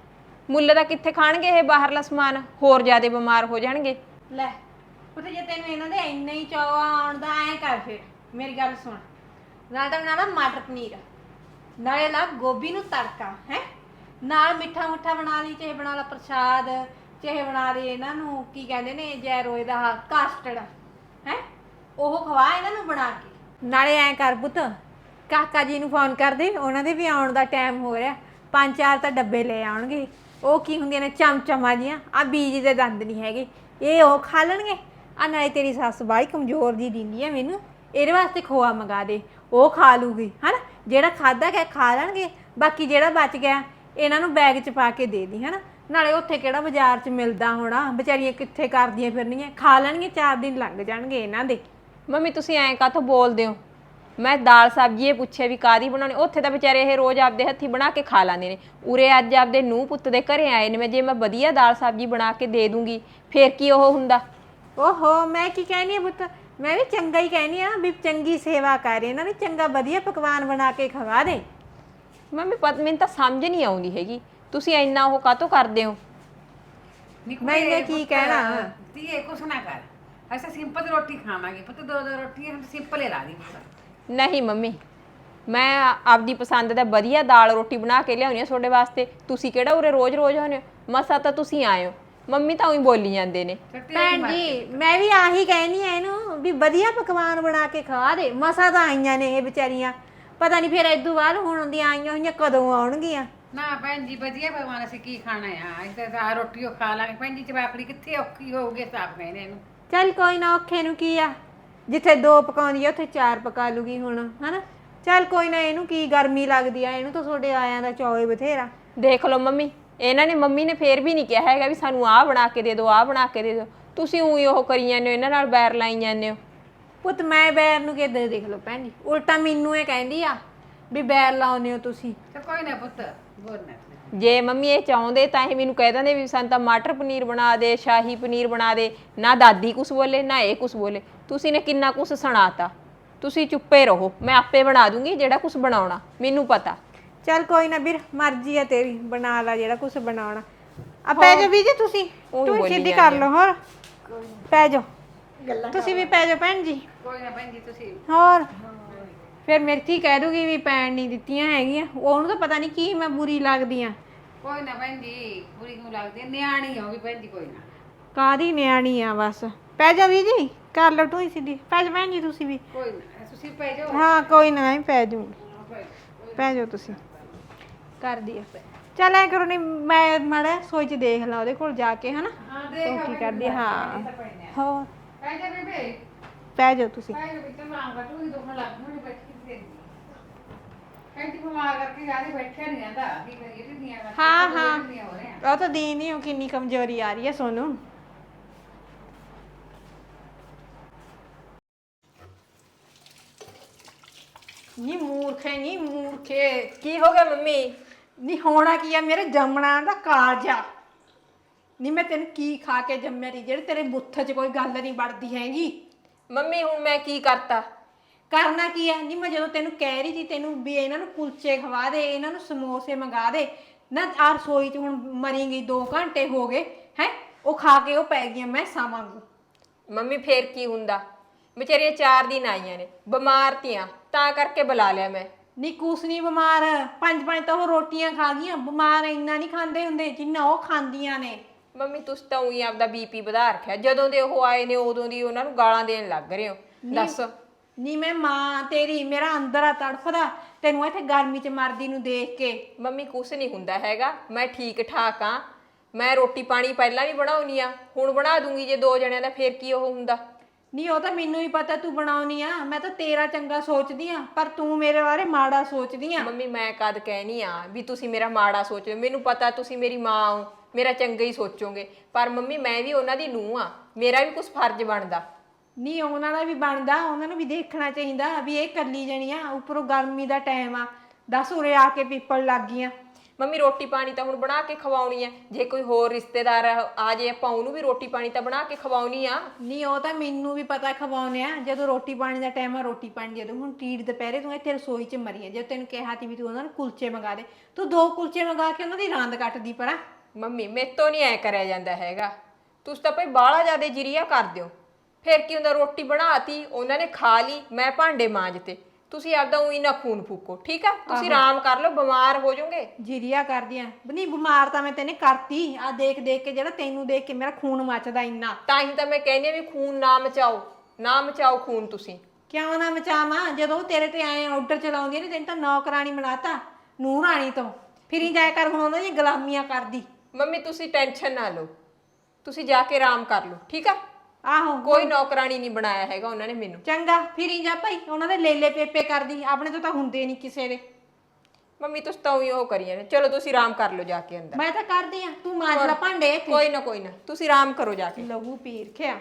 ਮੁੱਲ ਦਾ ਕਿੱਥੇ ਖਾਣਗੇ ਇਹ ਬਾਹਰਲਾ ਸਮਾਨ, ਹੋਰ ਜ਼ਿਆਦਾ ਬਿਮਾਰ ਹੋ ਜਾਣਗੇ।
ਲੈ ਪੁੱਤ ਜੇ ਤੈਨੂੰ ਇਹਨਾਂ ਦੇ ਇੰਨਾ ਹੀ ਚਾਅ ਆਉਣ ਦਾ, ਐ ਕਰ ਫਿਰ ਮੇਰੀ ਗੱਲ ਸੁਣ, ਨਾਲ ਤਾਂ ਬਣਾ ਲਾ ਮਟਰ ਪਨੀਰ, ਨਾਲੇ ਲਾ ਗੋਭੀ ਨੂੰ ਤੜਕਾ ਹੈ, ਨਾਲ ਮਿੱਠਾ ਮੁੱਠਾ ਬਣਾ ਲਈ, ਚਾਹੇ ਬਣਾ ਲਾ ਪ੍ਰਸ਼ਾਦ, ਚਾਹੇ ਬਣਾ ਲਈ ਇਹਨਾਂ ਨੂੰ ਕੀ ਕਹਿੰਦੇ ਨੇ ਜੈਰੋਏ ਦਾ ਕਾਸਟਰਡ ਹੈ, ਉਹ ਖਵਾ ਇਹਨਾਂ ਨੂੰ ਬਣਾ ਕੇ। ਨਾਲੇ ਐ ਕਰ ਪੁੱਤ, ਕਾਕਾ ਜੀ ਨੂੰ ਫੋਨ ਕਰ ਦੇ, ਉਹਨਾਂ ਦੇ ਵੀ ਆਉਣ ਦਾ ਟਾਈਮ ਹੋ ਰਿਹਾ, 5-4 ਤਾਂ ਡੱਬੇ ਲੈ ਆਉਣਗੇ। ਉਹ ਕੀ ਹੁੰਦੀਆਂ ਨੇ ਚਮਚਮਾਂ ਜੀਆਂ, ਆ ਬੀਜ ਦੇ ਦੰਦ ਨਹੀਂ ਹੈਗੇ, ਇਹ ਉਹ ਖਾ ਲੈਣਗੇ। ਆ ਨਾਲੇ ਤੇਰੀ ਸੱਸ ਬਾਈ ਕਮਜ਼ੋਰ ਜੀ ਦਿੰਦੀ ਆ ਮੈਨੂੰ, ਇਹਦੇ ਵਾਸਤੇ ਖੋਆ ਮੰਗਾ ਦੇ, ਉਹ ਖਾ ਲੂਗੀ ਹਨਾ, ਜਿਹੜਾ ਖਾਦਾ ਗਿਆ ਖਾ ਲੈਣਗੇ, ਬਾਕੀ ਜਿਹੜਾ ਬਚ ਗਿਆ ਇਹਨਾਂ ਨੂੰ ਬੈਗ 'ਚ ਪਾ ਕੇ ਦੇ ਦੀ ਹਨਾ। ਨਾਲੇ ਉੱਥੇ ਕਿਹੜਾ ਬਾਜ਼ਾਰ 'ਚ ਮਿਲਦਾ ਹੋਣਾ, ਵਿਚਾਰੀਆਂ ਕਿੱਥੇ ਕਰਦੀਆਂ ਫਿਰਨੀਆਂ, ਖਾ ਲੈਣਗੇ, 4 ਦਿਨ ਲੰਘ ਜਾਣਗੇ ਇਹਨਾਂ ਦੇ।
ਮੰਮੀ ਤੁਸੀਂ ਐਂ ਕਾਹਤੋਂ ਬੋਲਦੇ ਹੋ? ਮੈਂ ਦਾਲ ਸਬਜ਼ੀ ਇਹ ਪੁੱਛਿਆ ਵੀ ਕਾਦੀ ਬਣਾਉਣੀ, ਉੱਥੇ ਤਾਂ ਵਿਚਾਰੇ ਇਹ ਰੋਜ਼ ਆਪਦੇ ਹੱਥੀ ਬਣਾ ਕੇ ਖਾ ਲੈਂਦੇ ਨੇ, ਉਰੇ ਅੱਜ ਆਪਦੇ ਨੂੰਹ ਪੁੱਤ ਦੇ ਘਰੇ ਆਏ ਨੇ, ਮੈਂ ਜੇ ਮੈਂ ਵਧੀਆ ਦਾਲ ਸਬਜ਼ੀ ਬਣਾ ਕੇ ਦੇ ਦੂੰਗੀ ਫੇਰ ਕੀ ਉਹ ਹੁੰਦਾ?
ਓਹੋ ਮੈਂ ਕੀ ਕਹਿਣੀ ਆ ਪੁੱਤ, ਮੈਂ ਵੀ ਚੰਗਾ ਹੀ ਕਹਿਣੀ ਆ ਵੀ ਚੰਗੀ ਸੇਵਾ ਕਰ, ਇਹਨਾਂ ਨੂੰ ਚੰਗਾ ਵਧੀਆ ਪਕਵਾਨ ਬਣਾ ਕੇ ਖਵਾ ਦੇ।
ਮੰਮੀ ਮੈਨੂੰ ਤਾਂ ਸਮਝ ਨਹੀਂ ਆਉਂਦੀ ਹੈਗੀ, ਤੁਸੀਂ ਇੰਨਾ ਉਹ ਕਾਹਤੋਂ ਕਰਦੇ ਹੋ?
ਮੈਂ ਇਹਨੇ ਕੀ ਕਹਿਣਾ?
ਧੀਏ ਕੁਛ ਨਾ ਕਰ, ਅਸੀਂ ਸਿੰਪਲ ਰੋਟੀ ਖਾਵਾਂਗੇ ਪੁੱਤ, 2 ਰੋਟੀਆਂ हम ਸਿੰਪਲ ਹੀ ਲਾ ਦੀ ਪੁੱਤ।
ਨਹੀਂ ਮੰਮੀ, ਮੈਂ ਆਪਦੀ ਪਸੰਦ ਦਾ ਵਧੀਆ ਦਾਲ ਰੋਟੀ ਬਣਾ ਕੇ ਲਿਆਉਣੀ ਆ ਤੁਹਾਡੇ ਵਾਸਤੇ, ਤੁਸੀਂ ਕਿਹੜਾ ਉਰੇ ਰੋਜ਼-ਰੋਜ਼ ਆਉਂਦੇ ਹੋ, ਮਸਾ ਤਾਂ ਤੁਸੀਂ ਆਏ ਹੋ। ਮੰਮੀ ਤਾਂ ਉਹੀ ਬੋਲੀ ਜਾਂਦੇ ਨੇ।
ਭੈਣ ਜੀ ਮੈਂ ਵੀ ਆਹੀ ਕਹਿਣੀ ਆ ਇਹਨੂੰ ਵੀ ਵਧੀਆ ਪਕਵਾਨ ਬਣਾ ਕੇ ਖਵਾ ਦੇ, ਮਸਾ ਤਾਂ ਆਈਆਂ ਨੇ ਇਹ ਵਿਚਾਰੀਆਂ, ਪਤਾ ਨਹੀਂ ਫਿਰ ਇਦੋਂ ਬਾਅਦ ਹੁਣ ਦੀਆਂ ਆਈਆਂ ਹੋਈਆਂ ਕਦੋਂ ਆਉਣਗੀਆਂ।
ਨਾ ਭੈਣ ਜੀ ਵਧੀਆ ਭਗਵਾਨ, ਅਸੀਂ ਕੀ ਖਾਣਾ ਆ, ਅਸੀਂ ਤਾਂ ਰੋਟੀ ਉਹ ਖਾ ਲਾਂਗੇ। ਭੈਣ ਜੀ ਜਵਾਕੜੀ ਕਿੱਥੇ ਔਖੀ ਹੋਊਗੀ, ਸਾਫ ਕਹਿੰਦੇ ਇਹਨੂੰ।
ਚੱਲ ਕੋਈ ਨਾ, ਔਖੇ ਨੂੰ ਕੀ ਆ, ਜਿੱਥੇ 2 ਪਕਾਉਂਦੀ ਆ ਉੱਥੇ 4 ਪਕਾ ਲੂਗੀ ਹੁਣ ਹਨਾ। ਚੱਲ ਕੋਈ ਨਾ, ਇਹਨੂੰ ਕੀ ਗਰਮੀ ਲੱਗਦੀ ਆ, ਇਹਨੂੰ ਤਾਂ ਤੁਹਾਡੇ ਆਇਆਂ ਦਾ ਚੌਏ ਬਥੇਰਾ।
ਦੇਖ ਲਓ ਮੰਮੀ, ਇਹਨਾਂ ਨੇ ਮੰਮੀ ਨੇ ਫੇਰ ਵੀ ਨਹੀਂ ਕਿਹਾ ਹੈਗਾ ਵੀ ਸਾਨੂੰ ਆਹ ਬਣਾ ਕੇ ਦੇ ਦਿਓ, ਆਹ ਬਣਾ ਕੇ ਦੇ ਦਿਓ, ਤੁਸੀਂ ਉਹੀ ਉਹ ਕਰੀ ਜਾਂਦੇ ਹੋ, ਇਹਨਾਂ ਨਾਲ ਬੈਰ ਲਾਈ ਜਾਂਦੇ ਹੋ।
ਪੁੱਤ ਮੈਂ ਬੈਰ ਨੂੰ ਕਿੱਦਾਂ ਦੇਖ ਲਓ ਭੈਣ ਜੀ, ਉਲਟਾ ਮੈਨੂੰ ਇਹ ਕਹਿੰਦੀ ਆ ਵੀ ਬੈਰ ਲਾਉਂਦੇ ਹੋ ਤੁਸੀਂ।
ਤੇ ਕੋਈ ਨਾ ਪੁੱਤ ਬੋਲਣਾ।
ਜੇ ਮੰਮੀ ਇਹ ਚਾਹੁੰਦੇ ਤਾਂ ਇਹ ਮੈਨੂੰ ਕਹਿ ਦਿੰਦੇ ਵੀ ਸਾਨੂੰ ਤਾਂ ਮਟਰ ਪਨੀਰ ਬਣਾ ਦੇ, ਸ਼ਾਹੀ ਪਨੀਰ ਬਣਾ ਦੇ, ਨਾ ਦਾਦੀ ਕੁਛ ਬੋਲੇ ਨਾ ਇਹ ਕੁਛ ਬੋਲੇ, ਤੁਸੀਂ ਨੇ ਕਿੰਨਾ ਕੁਛ ਸੁਣਾਤਾ। ਤੁਸੀਂ ਚੁੱਪੇ ਰਹੋ, ਮੈਂ ਆਪੇ ਬਣਾ ਦੂੰਗੀ ਜਿਹੜਾ ਕੁਛ ਬਣਾਉਣਾ, ਮੈਨੂੰ ਪਤਾ।
ਚੱਲ ਕੋਈ ਨਾ ਵੀਰ, ਮਰਜ਼ੀ ਆ ਤੇਰੀ, ਬਣਾ ਲਾ ਜਿਹੜਾ ਕੁਛ ਬਣਾਉਣਾ। ਆ ਪੈ ਜਾਓ ਵੀ ਜੀ, ਤੁਸੀਂ ਤੂੰ ਸਿੱਧੀ ਕਰ ਲਓ, ਹੋਰ ਪੈ ਜਾਓ ਤੁਸੀਂ ਵੀ, ਪੈ ਜਾਓ ਭੈਣ ਜੀ।
ਕੋਈ ਨਾ ਭੈਣ ਜੀ ਤੁਸੀਂ
ਹੋਰ ਫਿਰ ਮੇਰੀ ਧੀ ਕਹਿ ਦੂਗੀ ਵੀ ਪੈਣ ਨਹੀਂ ਦਿੱਤੀਆਂ ਹੈਗੀਆਂ, ਉਹਨੂੰ ਤਾਂ ਪਤਾ ਨਹੀਂ ਕੀ ਮੈਂ ਬੁਰੀ ਲੱਗਦੀ ਆ।
ਕੋਈ ਨਾ ਭੈਣ ਜੀ, ਬੁਰੀ ਕਿਉਂ ਲੱਗਦੀ, ਨਿਆਣੀ ਆ ਉਹ ਵੀ ਭੈਣ ਜੀ, ਕੋਈ ਨਾ।
ਕਾਹਦੀ ਨਿਆਣੀ ਆ, ਬਸ ਪੈ ਜਾ ਵੀ ਜੀ, ਕਰ ਲਓ ਤੂੰ ਸਿੱਧੀ, ਪੈ ਜਾ ਭੈਣ ਜੀ ਤੁਸੀਂ ਵੀ।
ਕੋਈ ਨਾ ਤੁਸੀਂ ਪੈ ਜਾਓ।
ਹਾਂ ਕੋਈ ਨਾ, ਮੈਂ ਵੀ ਪੈ ਜਾਊਂਗੀ, ਪੈ ਜਾਓ ਤੁਸੀਂ, ਕਰਦੀ ਆ। ਚੱਲ ਐ ਕਰੋ, ਨਹੀਂ ਮੈਂ ਮਾੜਾ ਸੋਚ ਚ ਦੇਖ ਲਾ ਉਹਦੇ ਕੋਲ ਜਾ ਕੇ ਹਨਾ,
ਹਾਂ
ਉਹ
ਦੇਖ
ਕੀ ਕਰਦੀ ਆ। ਹਾਂ ਹੋਰ
ਪੈ ਜਾ ਬੇਬੇ,
ਪੈ ਜਾਓ ਤੁਸੀਂ।
ਪੈ ਜਾ ਬਿੱਟਾ, ਮਾਂ ਬਟੂ ਦੀ ਦੁੱਖ ਲੱਗ ਨੂੰ ਬੈਠੀ ਤੇ ਭੈਣ ਜੀ ਬਿਮਾਰ ਕਰਕੇ ਜਾਦੇ ਬੈਠਿਆ ਨਹੀਂ ਜਾਂਦਾ, ਕੀ ਕਰੀਏ ਢਿੱਡੀਆਂ ਕਰਕੇ।
ਹਾਂ ਹਾਂ, ਉਹ ਤਾਂ ਦੀ ਨਹੀਂ, ਉਹ ਕਿੰਨੀ ਕਮਜ਼ੋਰੀ ਆ ਰਹੀ ਹੈ ਸੋਨੂੰ। ਨੀ ਮੂਰਖੇ, ਨੀ ਮੂਰਖੇ,
ਕੀ ਹੋ ਗਿਆ ਮੰਮੀ?
ਨੀ ਹੋਣਾ ਕੀ ਆ, ਮੇਰੇ ਜੰਮਣਾ ਦਾ ਕਾਰਜਾ। ਨੀ ਮੈਂ ਤੈਨੂੰ ਕੀ ਖਾ ਕੇ ਜੰਮਿਆ ਤੀ, ਜਿਹੜੇ ਤੇਰੇ ਬੁੱਥ 'ਚ ਕੋਈ ਗੱਲ ਨਹੀਂ ਵੜਦੀ ਹੈਗੀ।
ਮੰਮੀ ਹੁਣ ਮੈਂ ਕੀ ਕਰਤਾ?
ਕਰਨਾ ਕੀ ਆ, ਨੀ ਮੈਂ ਜਦੋਂ ਤੈਨੂੰ ਕਹਿ ਰਹੀ ਸੀ ਤੈਨੂੰ ਵੀ ਇਹਨਾਂ ਨੂੰ ਕੁਲਚੇ ਖਵਾ ਦੇ, ਇਹਨਾਂ ਨੂੰ ਸਮੋਸੇ ਮੰਗਾ ਦੇ ਨਾ, ਆ ਰਸੋਈ 'ਚ ਹੁਣ ਮਰੀ ਗਈ, 2 ਘੰਟੇ ਹੋ ਗਏ ਹੈ, ਉਹ ਖਾ ਕੇ ਉਹ ਪੈ ਗਈਆਂ ਮੈਸਾਂ ਵਾਂਗੂ।
ਮੰਮੀ ਫੇਰ ਕੀ ਹੁੰਦਾ? ਵਿਚਾਰੀਆਂ 4 ਦਿਨ ਆਈਆਂ ਨੇ, ਬਿਮਾਰ ਤੀਆਂ, ਤਾਂ ਕਰਕੇ ਬੁਲਾ ਲਿਆ ਮੈਂ।
ਨੀ ਕੁਛ ਨਹੀਂ ਬਿਮਾਰ, ਪੰਜ ਪੰਜ ਤਾਂ ਉਹ ਰੋਟੀਆਂ ਖਾ ਗਈਆਂ, ਬਿਮਾਰ ਇੰਨਾ ਨਹੀਂ ਖਾਂਦੇ ਹੁੰਦੇ ਜਿੰਨਾ ਉਹ ਖਾਂਦੀਆਂ ਨੇ।
ਮੰਮੀ ਤੁਸੀਂ ਤਾਂ ਉਹੀ ਆਪਦਾ ਬੀਪੀ ਵਧਾ ਰੱਖਿਆ, ਜਦੋਂ ਦੇ ਉਹ ਆਏ ਨੇ ਉਦੋਂ ਦੀ ਉਹਨਾਂ ਨੂੰ ਗਾਲਾਂ ਦੇਣ ਲੱਗ ਰਹੇ ਹੋ। ਦੱਸ
ਨੀ ਮੈਂ ਮਾਂ ਤੇਰੀ, ਮੇਰਾ ਅੰਦਰ ਆ ਤੜਫਦਾ ਤੈਨੂੰ ਇੱਥੇ ਗਰਮੀ 'ਚ ਮਰਦੀ ਨੂੰ ਦੇਖ ਕੇ।
ਮੰਮੀ ਕੁਛ ਨਹੀਂ ਹੁੰਦਾ ਹੈਗਾ, ਮੈਂ ਠੀਕ ਠਾਕ ਆ। ਮੈਂ ਰੋਟੀ ਪਾਣੀ ਪਹਿਲਾਂ ਵੀ ਬਣਾਉਣੀ ਆ, ਹੁਣ ਬਣਾ ਦੂੰਗੀ ਜੇ 2 ਜਣਿਆਂ ਦਾ, ਫੇਰ ਕੀ ਉਹ ਹੁੰਦਾ।
ਨਹੀਂ ਉਹ ਤਾਂ ਮੈਨੂੰ ਹੀ ਪਤਾ ਤੂੰ ਬਣਾਉਣੀ ਆ, ਮੈਂ ਤਾਂ ਤੇਰਾ ਚੰਗਾ ਸੋਚਦੀ ਆ, ਪਰ ਤੂੰ ਮੇਰੇ ਬਾਰੇ ਮਾੜਾ ਸੋਚਦੀ ਆ।
ਮੰਮੀ ਮੈਂ ਕਦ ਕਹਿਨੀ ਆ ਵੀ ਤੁਸੀਂ ਮੇਰਾ ਮਾੜਾ ਸੋਚੋ, ਮੈਨੂੰ ਪਤਾ ਤੁਸੀਂ ਮੇਰੀ ਮਾਂ ਹੋ, ਮੇਰਾ ਚੰਗਾ ਹੀ ਸੋਚੋਗੇ, ਪਰ ਮੰਮੀ ਮੈਂ ਵੀ ਉਹਨਾਂ ਦੀ ਨੂੰਹ ਆ, ਮੇਰਾ ਵੀ ਕੁਝ ਫਰਜ਼ ਬਣਦਾ।
ਨਹੀਂ ਉਹਨਾਂ ਦਾ ਵੀ ਬਣਦਾ, ਉਹਨਾਂ ਨੂੰ ਵੀ ਦੇਖਣਾ ਚਾਹੀਦਾ ਵੀ ਇਹ ਕੱਲੀ ਜਣੀ ਆ, ਉੱਪਰੋਂ ਗਰਮੀ ਦਾ ਟਾਈਮ ਆ, ਦੱਸ ਉਰੇ ਆ ਕੇ ਪੀਪਲ ਲੱਗ ਗਈਆਂ।
ਮੰਮੀ ਰੋਟੀ ਪਾਣੀ ਤਾਂ ਹੁਣ ਬਣਾ ਕੇ ਖਵਾਉਣੀ ਆ, ਜੇ ਕੋਈ ਹੋਰ ਰਿਸ਼ਤੇਦਾਰ ਆ ਜੇ ਆਪਾਂ ਉਹਨੂੰ ਵੀ ਰੋਟੀ ਪਾਣੀ ਤਾਂ ਬਣਾ ਕੇ ਖਵਾਉਣੀ ਆ।
ਨਹੀਂ ਉਹ ਤਾਂ ਮੈਨੂੰ ਵੀ ਪਤਾ ਖਵਾਉਣੇ ਆ, ਜਦੋਂ ਰੋਟੀ ਪਾਣੀ ਦਾ ਟਾਈਮ ਆ ਰੋਟੀ ਪਾਣੀ ਜਦੋਂ ਹੁਣ ਟੀੜ ਦੁਪਹਿਰੇ ਤੂੰ ਇੱਥੇ ਰਸੋਈ 'ਚ ਮਰੀ ਆ, ਜੇ ਤੈਨੂੰ ਕਿਹਾ ਤੀ ਵੀ ਤੂੰ ਉਹਨਾਂ ਨੂੰ ਕੁਲਚੇ ਮੰਗਾ ਦੇ, ਤੂੰ 2 ਕੁਲਚੇ ਮੰਗਾ ਕੇ ਉਹਨਾਂ ਦੀ ਰਾਂਦ ਕੱਟਦੀ ਪਰਾਂ।
ਮੰਮੀ ਮੇਤੋਂ ਨਹੀਂ ਐ ਕਰਿਆ ਜਾਂਦਾ ਹੈਗਾ, ਤੁਸੀਂ ਤਾਂ ਭਾਈ ਬਾਹਲਾ ਜ਼ਿਆਦਾ ਜਿਰੀਆ ਕਰ ਦਿਓ। ਫਿਰ ਕੀ ਹੁੰਦਾ, ਰੋਟੀ ਬਣਾਤੀ ਉਹਨਾਂ ਨੇ ਖਾ ਲਈ, ਮੈਂ ਭਾਂਡੇ ਮਾਂਜਤੇ, ਤੁਸੀਂ ਆਪਦਾ ਉਹੀ ਨਾ ਖੂਨ ਫੂਕੋ, ਠੀਕ ਆ? ਤੁਸੀਂ ਆਰਾਮ ਕਰ ਲਓ, ਬਿਮਾਰ ਹੋ ਜਾਓਗੇ।
ਜਿਰੀਆ ਕਰਦੀਆਂ ਨਹੀਂ, ਬਿਮਾਰ ਤਾਂ ਮੈਂ ਤੈਨੇ ਕਰਤੀ ਆ, ਦੇਖ ਦੇਖ ਕੇ ਜਿਹੜਾ ਤੈਨੂੰ ਦੇਖ ਕੇ ਮੇਰਾ ਖੂਨ ਮੱਚਦਾ ਇੰਨਾ।
ਤਾਂ ਹੀ ਤਾਂ ਮੈਂ ਕਹਿੰਦੀ ਆ ਵੀ ਖੂਨ ਨਾ ਮਚਾਓ, ਨਾ ਮਚਾਓ ਖੂਨ ਤੁਸੀਂ।
ਕਿਉਂ ਨਾ ਮਚਾਵਾਂ, ਜਦੋਂ ਉਹ ਤੇਰੇ ਤੇ ਆਏ ਆਰਡਰ ਚਲਾਉਂਦੀਆਂ ਨੇ, ਤੈਨੂੰ ਤਾਂ ਨੌਕਰਾਣੀ ਬਣਾਤਾ, ਨੂੰਹ ਰਾਣੀ ਤੋਂ ਫਿਰੀ ਜਾਇਆ ਕਰ ਹੁਣ ਉਹਨਾਂ ਦੀਆਂ ਗੁਲਾਮੀਆਂ ਕਰਦੀ।
ਮੰਮੀ ਤੁਸੀਂ ਟੈਨਸ਼ਨ ਨਾ ਲਓ, ਤੁਸੀਂ ਜਾ ਕੇ ਆਰਾਮ ਕਰ ਲਓ, ਠੀਕ ਆ?
ਆਹੋ
ਕੋਈ ਨੌਕਰਾਨੀ ਨਹੀਂ ਬਣਾਇਆ ਹੈਗਾ ਉਹਨਾਂ ਨੇ ਮੈਨੂੰ।
ਚੰਗਾ ਫਿਰੀ ਜਾ ਭਾਈ, ਉਹਨਾਂ ਦੇ ਲੇਲੇ ਪੇਪੇ ਕਰਦੀ, ਆਪਣੇ ਤੋਂ ਤਾਂ ਹੁੰਦੇ ਨਹੀਂ ਕਿਸੇ ਦੇ।
ਮੰਮੀ ਤੁਸੀਂ ਤਾਂ ਉਹੀ ਉਹ ਕਰੀਏ ਨੇ, ਚਲੋ ਤੁਸੀਂ ਆਰਾਮ ਕਰ ਲਓ ਜਾ ਕੇ ਅੰਦਰ।
ਮੈਂ ਤਾਂ ਕਰਦੀ ਆ, ਤੂੰ ਮਾਂਜ ਲੈ ਭਾਂਡੇ ਇੱਥੇ।
ਕੋਈ ਨਾ ਤੁਸੀਂ ਆਰਾਮ ਕਰੋ ਜਾ ਕੇ।
ਲਹੂ ਪੀ ਰਖਿਆ।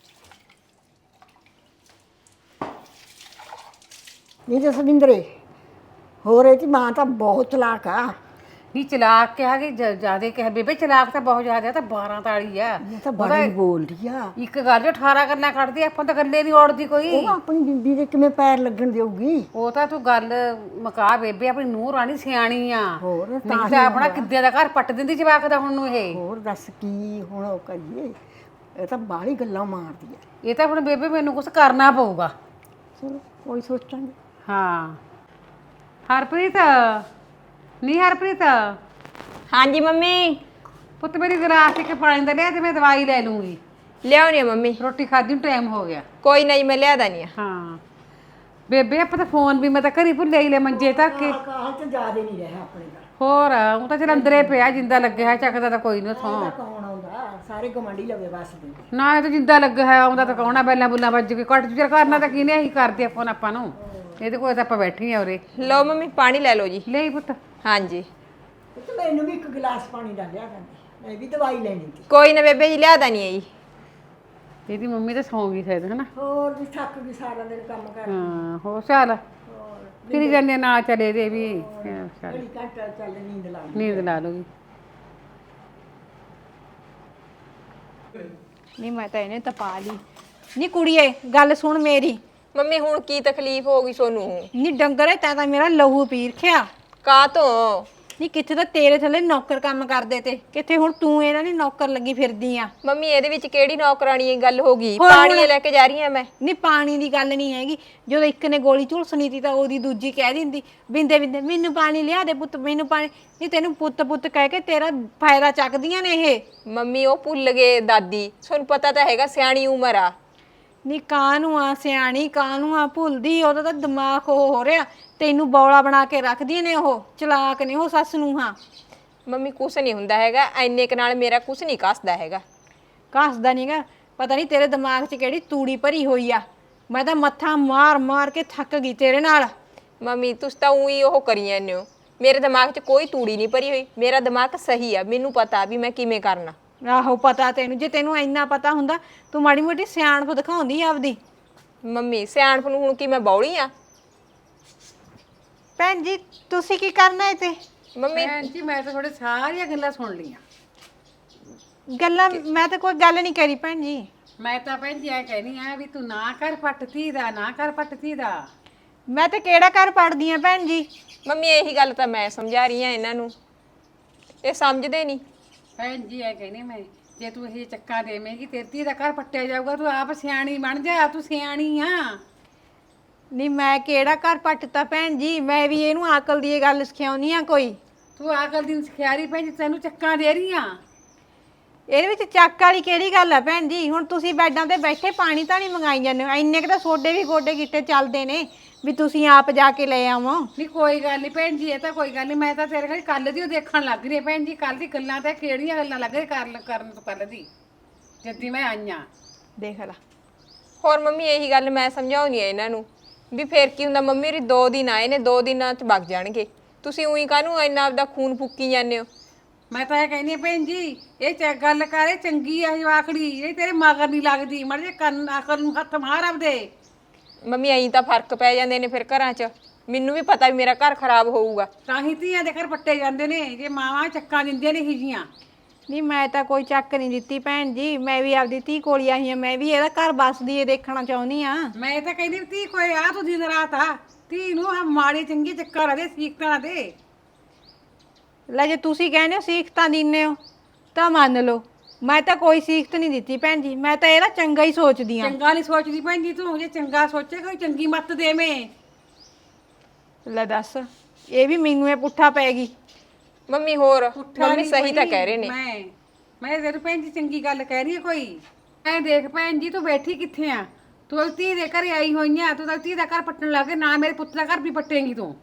ਨਹੀਂ ਜਸਵਿੰਦਰੇ, ਹੋਰ ਇਹਦੀ ਮਾਂ ਤਾਂ ਬਹੁਤ ਚਲਾਕ ਆ।
ਨਹੀਂ ਚਲਾਕ ਕਿਹਾ ਕਿ ਜਿਆਦੇ ਕਿਹਾ ਬੇਬੇ, ਚਲਾਕ ਤਾਂ ਬਹੁਤ ਜ਼ਿਆਦਾ, ਤਾਂ 12 ਤਾਲੀ ਆ।
ਇਹ ਤਾਂ ਬੜੀ ਬੋਲਦੀ ਆ।
ਇੱਕ ਗੱਲ ਜੋ 18 ਗੱਲਾਂ ਕੱਢਦੀ, ਆਪਾਂ ਤਾਂ ਗੱਲੇ ਨਹੀਂ ਔੜਦੀ ਕੋਈ।
ਉਹ ਆਪਣੀ ਬੀਬੀ ਦੇ ਕਿਵੇਂ ਪੈਰ ਲੱਗਣ ਦੇਊਗੀ?
ਉਹ ਤਾਂ ਤੂੰ ਗੱਲ ਮੁਕਾ ਬੇਬੇ, ਆਪਣੀ ਨੂੰਹ ਰਾਣੀ ਸਿਆਣੀ ਆ।
ਹੋਰ
ਨਹੀਂ ਤਾਂ ਆਪਣਾ ਕਿੱਦੇ ਦਾ ਘਰ ਪੱਟ ਦਿੰਦੀ ਜਵਾਕ ਦਾ ਹੁਣ ਨੂੰ ਇਹ।
ਹੋਰ ਦੱਸ ਕੀ ਹੁਣ ਉਹ ਕਰੀਏ, ਇਹ ਤਾਂ ਬਾਹਲੀ ਗੱਲਾਂ ਮਾਰਦੀ ਆ।
ਇਹ ਤਾਂ ਹੁਣ ਬੇਬੇ ਮੈਨੂੰ ਕੁਝ ਕਰਨਾ ਪਊਗਾ।
ਚਲੋ ਕੋਈ ਸੋਚਾਂਗੇ।
ਹਾਂ ਹਰਪ੍ਰੀਤ, ਨਹੀਂ ਹਰਪ੍ਰੀਤ,
ਹਾਂਜੀ ਮੰਮੀ।
ਪੁੱਤ ਮੇਰੀ ਗਲਾਸ ਇੱਕ ਪਾਣੀ ਦਾ ਲਿਆ ਤੇ ਮੈਂ ਦਵਾਈ ਲੈ ਲੂੰਗੀ।
ਲਿਆਉਣੀ ਆ ਮੰਮੀ,
ਰੋਟੀ ਖਾਦੀ ਨੂੰ ਟਾਈਮ ਹੋ ਗਿਆ।
ਕੋਈ ਨਹੀਂ ਮੈਂ ਲਿਆ ਦਾਨੀ ਆ।
ਹਾਂ ਬੇਬੇ, ਆਪਾਂ ਤਾਂ ਫੋਨ ਵੀ ਮੈਂ ਤਾਂ ਘਰੀ ਭੁੱਲੇ ਹੀ ਲੈ ਮੰਜੇ ਤੱਕ ਕੇ।
ਕਾਲ ਤੇ ਜ਼ਿਆਦਾ ਨਹੀਂ ਰਿਹਾ ਆਪਣੇ ਦਾ।
ਹੋਰ ਉਹ ਤਾਂ ਚਲ ਅੰਦਰੇ ਪਿਆ, ਜਿੰਦਾ ਲੱਗਿਆ ਹੈ, ਚੱਕਦਾ ਤਾਂ ਕੋਈ ਨਹੀਂ
ਤਾਂ
ਉਥੋਂ।
ਕੌਣ ਆਉਂਦਾ, ਸਾਰੇ ਗਵਾਂਢੀ ਲਵੇ ਵਸਦੇ।
ਨਾ ਇਹ ਤਾਂ ਜਿੰਦਾ ਲੱਗਿਆ ਹੈ, ਆਉਂਦਾ ਤਾਂ ਕੌਣਾ, ਬੈਲਾਂ ਬੁੱਲਾਂ ਵੱਜ ਕੇ ਘੱਟ ਚੁਰ ਕਰਨਾ ਤਾਂ ਕਿਨੇ ਹੀ ਕਰਦੇ ਫੋਨ ਆਪਾਂ ਨੂੰ। ਇਹਦੇ ਕੋਲ ਤਾਂ ਆਪਾਂ ਬੈਠੀ ਆ ਉਰੇ।
ਲਓ ਮੰਮੀ ਪਾਣੀ ਲੈ ਲਓ ਜੀ।
ਲੈ ਪੁੱਤ।
ਹਾਂਜੀ
ਤੇ ਮੈਨੂੰ ਵੀ ਇੱਕ ਗਲਾਸ ਪਾਣੀ ਦਾ ਲਿਆ ਦਿੰਦੀ, ਮੈਂ ਵੀ ਦਵਾਈ ਲੈਣੀ ਸੀ।
ਕੋਈ ਨਾ ਬੇਬੇ ਜੀ, ਲਿਆ ਦਾਨੀ ਆ ਜੀ।
ਇਹਦੀ ਮੰਮੀ ਤਾਂ ਸੌਂ ਗਈ ਸ਼ਾਇਦ, ਹਨਾ?
ਹੋਰ ਵੀ ਥੱਕ ਗਈ ਸਾਰਾ ਦਿਨ ਕੰਮ ਕਰ।
ਹਾਂ ਹੋ ਚੱਲ ਫਿਰ ਜਾਂਦੇ ਨਾ, ਚਲੇ ਦੇ ਵੀ ਚੱਲ
ਘੜੀ ਘੰਟਾ ਚੱਲ ਨੀਂਦ ਲਾ ਲਈ।
ਨੀਂਦ ਲਾ ਲੂਗੀ।
ਨਹੀਂ ਮੈਂ ਤਾਂ ਇਹਨੇ ਤਪਾ ਲਈ। ਨਹੀਂ ਕੁੜੀਏ ਗੱਲ ਸੁਣ ਮੇਰੀ।
ਮੰਮੀ ਹੁਣ ਕੀ ਤਕਲੀਫ ਹੋ ਗਈ ਸੋਨੂੰ?
ਨਹੀਂ ਡੰਗਰੇ ਤੈਂ ਤਾਂ ਮੇਰਾ ਲਹੂ ਪੀ ਰਖਿਆ।
ਕਾਹ ਤੋਂ?
ਨਹੀਂ ਕਿੱਥੇ ਤਾਂ ਤੇਰੇ ਥੱਲੇ ਨੌਕਰ ਕੰਮ ਕਰਦੇ ਤੇ, ਕਿੱਥੇ ਹੁਣ ਤੂੰ ਇਹਨਾਂ ਦੀ ਨੌਕਰ ਲੱਗੀ ਫਿਰਦੀ ਆ।
ਮੰਮੀ ਇਹਦੇ ਵਿੱਚ ਕਿਹੜੀ ਨੌਕਰਾਨੀ ਗੱਲ ਹੋ ਗਈ?
ਹੋਰ
ਪਾਣੀ ਲੈ ਕੇ ਜਾ ਰਹੀ ਆ ਮੈਂ।
ਨਹੀਂ ਪਾਣੀ ਦੀ ਗੱਲ ਨਹੀਂ ਹੈਗੀ, ਜਦੋਂ ਇੱਕ ਨੇ ਗੋਲੀ ਝੁਲਸਣੀ ਤੀ ਤਾਂ ਉਹਦੀ ਦੂਜੀ ਕਹਿ ਦਿੰਦੀ ਬਿੰਦੇ ਬਿੰਦੇ ਮੈਨੂੰ ਪਾਣੀ ਲਿਆ ਦੇ ਪੁੱਤ, ਮੈਨੂੰ ਪਾਣੀ। ਨਹੀਂ ਤੈਨੂੰ ਪੁੱਤ ਪੁੱਤ ਕਹਿ ਕੇ ਤੇਰਾ ਫਾਇਦਾ ਚੱਕਦੀਆਂ ਨੇ ਇਹ।
ਮੰਮੀ ਉਹ ਭੁੱਲ ਗਏ ਦਾਦੀ, ਤੁਹਾਨੂੰ ਪਤਾ ਤਾਂ ਹੈਗਾ ਸਿਆਣੀ ਉਮਰ ਆ।
ਨੀ ਕਾਹਨੂੰ ਆ ਸਿਆਣੀ, ਕਾਹਨੂੰ ਆ ਭੁੱਲਦੀ, ਉਹਦਾ ਤਾਂ ਦਿਮਾਗ ਉਹ ਹੋ ਰਿਹਾ, ਤੈਨੂੰ ਬੌਲਾ ਬਣਾ ਕੇ ਰੱਖਦੀਆਂ ਨੇ, ਉਹ ਚਲਾਕ ਨੇ ਉਹ ਸੱਸ ਨੂੰ। ਹਾਂ
ਮੰਮੀ ਕੁਛ ਨਹੀਂ ਹੁੰਦਾ ਹੈਗਾ, ਐਨੇ ਕ ਨਾਲ ਮੇਰਾ ਕੁਛ ਨਹੀਂ ਕੱਸਦਾ ਹੈਗਾ।
ਘਸਦਾ ਨਹੀਂਗਾ, ਪਤਾ ਨਹੀਂ ਤੇਰੇ ਦਿਮਾਗ 'ਚ ਕਿਹੜੀ ਤੂੜੀ ਭਰੀ ਹੋਈ ਆ। ਮੈਂ ਤਾਂ ਮੱਥਾ ਮਾਰ ਮਾਰ ਕੇ ਥੱਕ ਗਈ ਤੇਰੇ ਨਾਲ।
ਮੰਮੀ ਤੁਸੀਂ ਤਾਂ ਉਹੀ ਉਹ ਕਰੀ ਜਾਂਦੇ ਹੋ, ਮੇਰੇ ਦਿਮਾਗ 'ਚ ਕੋਈ ਤੂੜੀ ਨਹੀਂ ਭਰੀ ਹੋਈ, ਮੇਰਾ ਦਿਮਾਗ ਸਹੀ ਆ, ਮੈਨੂੰ ਪਤਾ ਵੀ ਮੈਂ ਕਿਵੇਂ ਕਰਨਾ।
ਆਹੋ ਪਤਾ ਤੈਨੂੰ, ਜੇ ਤੈਨੂੰ ਇੰਨਾ ਪਤਾ ਹੁੰਦਾ ਤੂੰ ਮਾੜੀ ਮੋਟੀ ਸਿਆਣਪ ਦਿਖਾਉਂਦੀ ਆਪਦੀ।
ਮੰਮੀ ਸਿਆਣਪ ਨੂੰ ਹੁਣ ਕੀ ਮੈਂ ਬੌਲੀ ਆ?
ਭੈਣ ਜੀ ਤੁਸੀਂ ਕੀ ਕਰਨਾ ਏ ਤੇ?
ਮੰਮੀ
ਭੈਣ ਜੀ ਮੈਂ ਤਾਂ ਤੁਹਾਡੇ ਸਾਰੀਆਂ ਗੱਲਾਂ ਸੁਣ ਲਈਆਂ।
ਗੱਲਾਂ ਮੈਂ ਤਾਂ ਕੋਈ ਗੱਲ ਨਹੀਂ ਕਰੀ ਭੈਣ ਜੀ।
ਮੈਂ ਤਾਂ ਭੈਣ ਜੀ ਐ ਕਹਿਨੀ ਆ ਵੀ ਤੂੰ ਨਾ ਕਰ ਪੱਟਤੀ ਦਾ, ਨਾ ਕਰ ਪੱਟਤੀ ਦਾ।
ਮੈਂ ਤਾਂ ਕਿਹੜਾ ਘਰ ਪੜਦੀ ਆ ਭੈਣ ਜੀ?
ਮੰਮੀ ਇਹੀ ਗੱਲ ਤਾਂ ਮੈਂ ਸਮਝਾ ਰਹੀ ਆ ਇਹਨਾਂ ਨੂੰ, ਇਹ ਸਮਝਦੇ ਨਹੀਂ।
ਭੈਣ ਜੀ ਐ ਕਹਿਨੀ ਮੈਂ ਜੇ ਤੂੰ ਇਹ ਚੱਕਾ ਦੇਵੇਂਗੀ ਤੇਰੀ ਧੀ ਦਾ ਘਰ ਪੱਟਿਆ ਜਾਊਗਾ। ਤੂੰ ਆਪ ਸਿਆਣੀ ਬਣ ਜਾ, ਤੂੰ ਸਿਆਣੀ ਆ।
ਨਹੀਂ ਮੈਂ ਕਿਹੜਾ ਘਰ ਪੱਟਤਾ ਭੈਣ ਜੀ, ਮੈਂ ਵੀ ਇਹਨੂੰ ਅਕਲ ਦੀ ਇਹ ਗੱਲ ਸਿਖਾਉਣੀ ਆ ਕੋਈ।
ਤੂੰ ਆਕਲ ਦੀ ਸਿਖਿਆਰੀ ਭੈਣ ਜੀ, ਤੈਨੂੰ ਚੱਕਾਂ ਦੇ ਰਹੀ ਆ।
ਇਹਦੇ ਵਿੱਚ ਚੱਕ ਵਾਲੀ ਕਿਹੜੀ ਗੱਲ ਆ ਭੈਣ ਜੀ? ਹੁਣ ਤੁਸੀਂ ਬੈੱਡਾਂ ਤੇ ਬੈਠੇ ਪਾਣੀ ਤਾਂ ਨਹੀਂ ਮੰਗਾਈ ਜਾਂਦੇ ਹੋ, ਇੰਨੇ ਕੁ ਤਾਂ ਸੋਡੇ ਵੀ ਗੋਡੇ ਗਿੱਟੇ ਚੱਲਦੇ ਨੇ ਵੀ ਤੁਸੀਂ ਆਪ ਜਾ ਕੇ ਲੈ ਆਵੋ।
ਨਹੀਂ ਕੋਈ ਗੱਲ ਨਹੀਂ ਭੈਣ ਜੀ, ਇਹ ਤਾਂ ਕੋਈ ਗੱਲ ਨਹੀਂ। ਮੈਂ ਤਾਂ ਤੇਰੇ ਕੋਲ ਕੱਲ ਦੀ ਓ ਦੇਖਣ ਲੱਗ ਰਹੀ ਹਾਂ ਭੈਣ ਜੀ। ਕੱਲ ਦੀ ਗੱਲਾਂ ਤਾਂ ਕਿਹੜੀਆਂ ਗੱਲਾਂ ਲੱਗ ਰਹੀ ਕਰਨ ਤੋਂ ਕੱਲ ਦੀ ਜੱਦੀ ਮੈਂ ਆਈਆਂ।
ਦੇਖ ਲਾ।
ਹੋਰ ਮੰਮੀ ਇਹੀ ਗੱਲ ਮੈਂ ਸਮਝਾਉਣੀ ਆ ਇਹਨਾਂ ਨੂੰ ਵੀ ਫੇਰ ਕੀ ਹੁੰਦਾ, ਮੰਮੀ ਰੀ 2 ਦਿਨ ਆਏ ਨੇ, 2 ਦਿਨਾਂ ਚ ਵਗ ਜਾਣਗੇ। ਤੁਸੀਂ ਉਹੀ ਕਾਹਨੂੰ ਇੰਨਾ ਆਪਦਾ ਖੂਨ ਫੂਕੀ ਜਾਂਦੇ ਹੋ?
ਮੈਂ ਤਾਂ ਇਹ ਕਹਿੰਦੀ ਹਾਂ ਭੈਣ ਜੀ, ਇਹ ਗੱਲ ਕਰੇ ਚੰਗੀ ਆ ਜਵਾਕੜੀ, ਇਹ ਤੇਰੇ ਮਗਰ ਨਹੀਂ ਲੱਗਦੀ। ਮੜ ਜੇ ਕੰਨ ਅਕਲ ਨੂੰ ਹੱਥ ਮਾਰ ਆਪਦੇ।
ਮੰਮੀ ਐਂ ਤਾਂ ਫਰਕ ਪੈ ਜਾਂਦੇ ਨੇ ਫਿਰ ਘਰਾਂ 'ਚ। ਮੈਨੂੰ ਵੀ ਪਤਾ ਵੀ ਮੇਰਾ ਘਰ ਖਰਾਬ ਹੋਊਗਾ।
ਤਾਂ ਹੀ ਧੀਆਂ ਦੇ ਘਰ ਪੱਟੇ ਜਾਂਦੇ ਨੇ ਜੇ ਮਾਵਾਂ ਚੱਕਾਂ ਦਿੰਦੀਆਂ ਨੇ ਹੀਜੀਆਂ।
ਨਹੀਂ ਮੈਂ ਤਾਂ ਕੋਈ ਚੱਕ ਨਹੀਂ ਦਿੱਤੀ ਭੈਣ ਜੀ, ਮੈਂ ਵੀ ਆਪਦੀ ਧੀ ਕੋਲ ਹੀ ਆਈ ਹਾਂ। ਮੈਂ ਵੀ ਇਹਦਾ ਘਰ ਬਸਦੀ ਏ ਦੇਖਣਾ ਚਾਹੁੰਦੀ ਆ।
ਮੈਂ ਤਾਂ ਕਹਿੰਦੀ ਵੀ ਧੀ ਕੋਈ ਆ ਤੂੰ ਦਿਨ ਰਾਤ ਆ ਧੀ ਨੂੰ ਆ ਮਾੜੀ ਚੰਗੀ ਚੱਕਰ ਆ ਦੇ ਸੀਖਤਾਂ ਦੇ।
ਲੈ ਜੇ ਤੁਸੀਂ ਕਹਿੰਦੇ ਹੋ ਸੀਖਤਾਂ ਦਿੰਦੇ ਹੋ ਤਾਂ ਮੰਨ ਲਓ, ਮੈਂ ਤਾਂ ਕੋਈ ਸੀਖਤ ਨਹੀਂ ਦਿੱਤੀ ਭੈਣ ਜੀ, ਮੈਂ ਤਾਂ ਇਹਦਾ ਚੰਗਾ ਹੀ ਸੋਚਦੀ ਆ।
ਚੰਗਾ ਨਹੀਂ ਸੋਚਦੀ ਭੈਣ ਜੀ ਤੂੰ, ਜੇ ਚੰਗਾ ਸੋਚੇ ਕੋਈ ਚੰਗੀ ਮੱਤ ਦੇਵੇਂ।
ਲੈ ਦੱਸ, ਇਹ ਵੀ ਮੈਨੂੰ ਇਹ ਪੁੱਠਾ ਪੈ ਗਈ।
ਮੰਮੀ ਹੋਰ
ਪੁੱਠਾ
ਮੰਮੀ
ਨੀ
ਸਹੀ ਤਾਂ
ਕੋਈ,
ਕਹਿ ਰਹੇ ਨੇ।
ਮੈਂ ਤੇਰੇ ਭੈਣ ਜੀ ਚੰਗੀ ਗੱਲ ਕਹਿ ਰਹੀ ਹੈ ਕੋਈ। ਐ ਦੇਖ ਭੈਣ ਜੀ, ਤੂੰ ਬੈਠੀ ਕਿੱਥੇ ਆ? ਤੂੰ ਧੀ ਦੇ ਘਰੇ ਆਈ ਹੋਈ ਆ, ਤੂੰ ਤਾਂ ਧੀ ਦਾ ਘਰ ਪੱਟਣ ਲੱਗੇ ਨਾ, ਮੇਰੇ ਪੁੱਤ ਦਾ ਘਰ ਵੀ ਪੱਟੇਂਗੀ ਤੂੰ।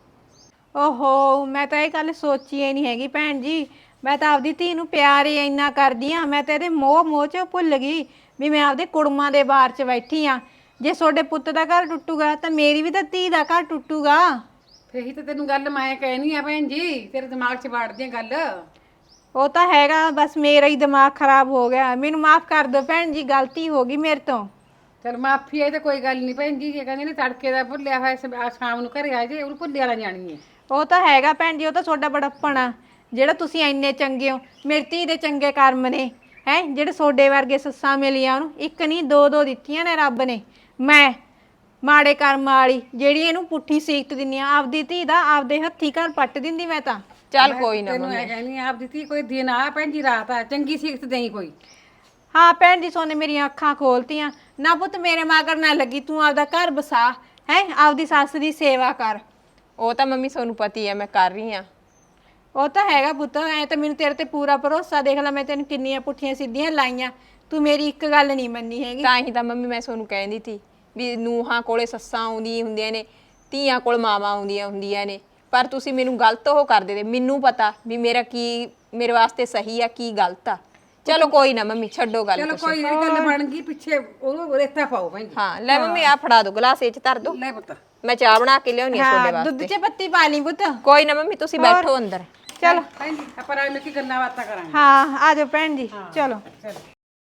ਓਹੋ, ਮੈਂ ਤਾਂ ਇਹ ਗੱਲ ਸੋਚੀ ਹੀ ਨਹੀਂ ਹੈਗੀ ਭੈਣ ਜੀ। ਮੈਂ ਤਾਂ ਆਪਦੀ ਧੀ ਨੂੰ ਪਿਆਰ ਹੀ ਇੰਨਾ ਕਰਦੀ ਆ, ਮੈਂ ਤਾਂ ਇਹਦੇ ਮੋਹ 'ਚ ਭੁੱਲ ਗਈ ਵੀ ਮੈਂ ਆਪਦੇ ਕੁੜਮਾਂ ਦੇ ਬਾਰ 'ਚ ਬੈਠੀ ਆ। ਜੇ ਤੁਹਾਡੇ ਪੁੱਤ ਦਾ ਘਰ ਟੁੱਟੂਗਾ ਤਾਂ ਮੇਰੀ ਵੀ ਤਾਂ ਧੀ ਦਾ ਘਰ ਟੁੱਟੂਗਾ।
ਫੇਰ ਹੀ ਤਾਂ ਤੈਨੂੰ ਗੱਲ ਮੈਂ ਕਹਿਣੀ ਆ ਭੈਣ ਜੀ, ਤੇਰੇ ਦਿਮਾਗ 'ਚ ਵਾੜਦੀ ਆ ਗੱਲ।
ਉਹ ਤਾਂ ਹੈਗਾ, ਬਸ ਮੇਰਾ ਹੀ ਦਿਮਾਗ ਖਰਾਬ ਹੋ ਗਿਆ। ਮੈਨੂੰ ਮਾਫ ਕਰ ਦਿਓ ਭੈਣ ਜੀ, ਗਲਤੀ ਹੋ ਗਈ ਮੇਰੇ ਤੋਂ।
ਚਲ ਮਾਫੀ ਹੈ ਤਾਂ ਕੋਈ ਗੱਲ ਨਹੀਂ ਭੈਣ ਜੀ। ਜੇ ਕਹਿੰਦੇ ਨੇ ਤੜਕੇ ਦਾ ਭੁੱਲਿਆ ਹੋਇਆ ਸ਼ਾਮ ਨੂੰ ਘਰੇ ਆ ਜੇ, ਉਹਨੂੰ ਭੁੱਲੇ ਵਾਲਾ ਜਾਣੀ ਹੈ।
ਉਹ ਤਾਂ ਹੈਗਾ ਭੈਣ ਜੀ, ਉਹ ਤਾਂ ਤੁਹਾਡਾ ਬੜੱਪਣ ਆ ਜਿਹੜਾ ਤੁਸੀਂ ਇੰਨੇ ਚੰਗੇ ਹੋ। ਮੇਰੀ ਧੀ ਦੇ ਚੰਗੇ ਕਰਮ ਨੇ ਹੈ ਜਿਹੜੇ ਤੁਹਾਡੇ ਵਰਗੇ ਸੱਸਾਂ ਮਿਲੀਆਂ ਉਹਨੂੰ, ਇੱਕ ਨਹੀਂ 2 ਦਿੱਤੀਆਂ ਨੇ ਰੱਬ ਨੇ। ਮੈਂ ਮਾੜੇ ਕਰਮ ਵਾਲੀ ਜਿਹੜੀ ਇਹਨੂੰ ਪੁੱਠੀ ਸੀਖਤ ਦਿੰਦੀ ਆ, ਆਪਦੀ ਧੀ ਦਾ ਆਪਦੇ ਹੱਥੀ ਘਰ ਪੱਟ ਦਿੰਦੀ ਮੈਂ ਤਾਂ।
ਚੱਲ ਕੋਈ ਨਾ
ਤੈਨੂੰ ਇਹ ਕਹਿੰਦੀ ਆਪ ਦਿੱਤੀ ਕੋਈ ਦਿਨ ਆ ਭੈਣ ਜੀ, ਰਾਤ ਆ ਚੰਗੀ ਸਿੱਖਤ ਦੇਈ ਕੋਈ।
ਹਾਂ ਭੈਣ ਜੀ, ਸੋਨੇ ਮੇਰੀਆਂ ਅੱਖਾਂ ਖੋਲਤੀਆਂ ਨਾ। ਪੁੱਤ ਮੇਰੇ ਮਗਰ ਨਾ ਲੱਗੀ, ਤੂੰ ਆਪਦਾ ਘਰ ਬਸਾ ਹੈ, ਆਪਦੀ ਸੱਸ ਦੀ ਸੇਵਾ ਕਰ।
ਉਹ ਤਾਂ ਮੰਮੀ ਤੁਹਾਨੂੰ ਪਤੀ ਹੈ ਮੈਂ ਕਰ ਰਹੀ ਆ।
ਉਹ ਤਾਂ ਹੈਗਾ ਪੁੱਤ, ਐ ਤਾਂ ਮੈਨੂੰ ਤੇਰੇ ਤੇ ਪੂਰਾ ਭਰੋਸਾ। ਦੇਖ ਲੈ ਮੈਂ ਤੈਨੂੰ ਕਿੰਨੀਆਂ ਪੁੱਠੀਆਂ ਸਿੱਧੀਆਂ ਲਾਈਆਂ, ਤੂੰ ਮੇਰੀ ਇੱਕ ਗੱਲ ਨਹੀਂ ਮੰਨੀ ਹੈਗੀ।
ਤਾਂ ਹੀ ਤਾਂ ਮੰਮੀ ਮੈਂ ਤੁਹਾਨੂੰ ਕਹਿੰਦੀ ਸੀ ਵੀ ਨੂੰਹਾਂ ਕੋਲੇ ਸੱਸਾਂ ਆਉਂਦੀਆਂ ਹੁੰਦੀਆਂ ਨੇ, ਧੀਆਂ ਕੋਲ ਮਾਵਾਂ ਆਉਂਦੀਆਂ ਹੁੰਦੀਆਂ ਨੇ, ਪਰ ਤੁਸੀਂ ਮੈਨੂੰ ਗਲਤ ਉਹ ਕਰਦੇ ਤੇ। ਮੈਨੂੰ ਪਤਾ ਵੀ ਮੇਰਾ ਕੀ ਮੇਰੇ ਵਾਸਤੇ ਸਹੀ ਆ ਕੀ ਗਲਤ ਆ। ਚਲੋ ਕੋਈ ਨਾ ਮੰਮੀ, ਛੱਡੋ ਗੱਲ।
ਚਲੋ ਕੋਈ ਜਿਹੜੀ ਗੱਲ ਬਣ ਗਈ ਪਿੱਛੇ ਉਹਨੂੰ ਰੇਤਾ ਪਾਓ ਭੈਣ ਜੀ।
ਹਾਂ ਲੈ ਮੰਮੀ ਆ ਫੜਾ ਦੋ ਗਲਾਸ, ਇਹ ਚ ਧਰ ਦੋ।
ਲੈ ਪੁੱਤ
ਮੈਂ ਚਾਹ ਬਣਾ ਕੇ ਲਿਆਉਣੀ ਆ ਤੁਹਾਡੇ
ਹਾਂ, ਦੁੱਧ
ਵਾਸਤੇ।
'ਚ ਪੱਤੀ ਪਾ ਲਈ ਪੁੱਤ।
ਕੋਈ ਨਾ ਮੰਮੀ, ਤੁਸੀਂ ਬੈਠੋ ਅੰਦਰ।
ਚਲੋ
ਭੈਣ ਜੀ ਆਪਾਂ ਰਾਜ ਮਿਲ ਕੇ ਗੱਲਾਂ ਬਾਤਾਂ ਕਰਾਂਗੇ।
ਹਾਂ ਆ ਜਾਓ ਭੈਣ ਜੀ, ਚਲੋ।
ਚਲੋ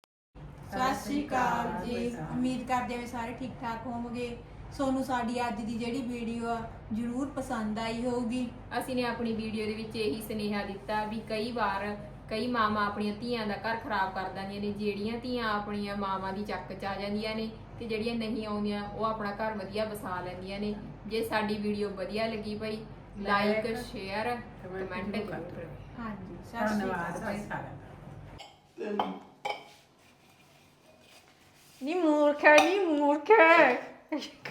ਸਤਿ ਸ਼੍ਰੀ ਅਕਾਲ ਜੀ। ਉਮੀਦ ਕਰਦੇ ਹਾਂ ਸਾਰੇ ਠੀਕ ਠਾਕ ਹੋਵੋਗੇ। ਸੋਨੂੰ ਸਾਡੀ ਅੱਜ ਦੀ ਜਿਹੜੀ ਵੀਡੀਓ ਆ ਜ਼ਰੂਰ ਪਸੰਦ ਆਈ ਹੋਊਗੀ।
ਅਸੀਂ ਨੇ ਆਪਣੀ ਵੀਡੀਓ ਦੇ ਵਿੱਚ ਇਹੀ ਸੁਨੇਹਾ ਦਿੱਤਾ ਵੀ ਕਈ ਵਾਰ ਕਈ ਮਾਵਾਂ ਆਪਣੀਆਂ ਧੀਆਂ ਦਾ ਘਰ ਖਰਾਬ ਕਰ ਦਿੰਦੀਆਂ ਨੇ। ਜਿਹੜੀਆਂ ਧੀਆਂ ਆਪਣੀਆਂ ਮਾਵਾਂ ਦੀ ਚੱਕ 'ਚ ਆ ਜਾਂਦੀਆਂ ਨੇ ਤੇ ਜਿਹੜੀਆਂ ਨਹੀਂ ਆਉਂਦੀਆਂ ਉਹ ਆਪਣਾ ਘਰ ਵਧੀਆ ਵਸਾ ਲੈਂਦੀਆਂ ਨੇ। ਜੇ ਸਾਡੀ ਵੀਡੀਓ ਵਧੀਆ ਲੱਗੀ ਭਾਈ ਲਾਈਕ ਸ਼ੇਅਰ ਕਮੈਂਟ ਜ਼ਰੂਰ ਕਰੋ।
ਹਾਂਜੀ, ਸਤਿ ਸ਼੍ਰੀ ਅਕਾਲ।
ਧੰਨਵਾਦ ਭਾਈ ਸਾਰਿਆਂ ਦਾ।
ਨੀ ਮੂਰਖ ਹੈ, ਨੀ ਮੂਰਖ ਹੈ।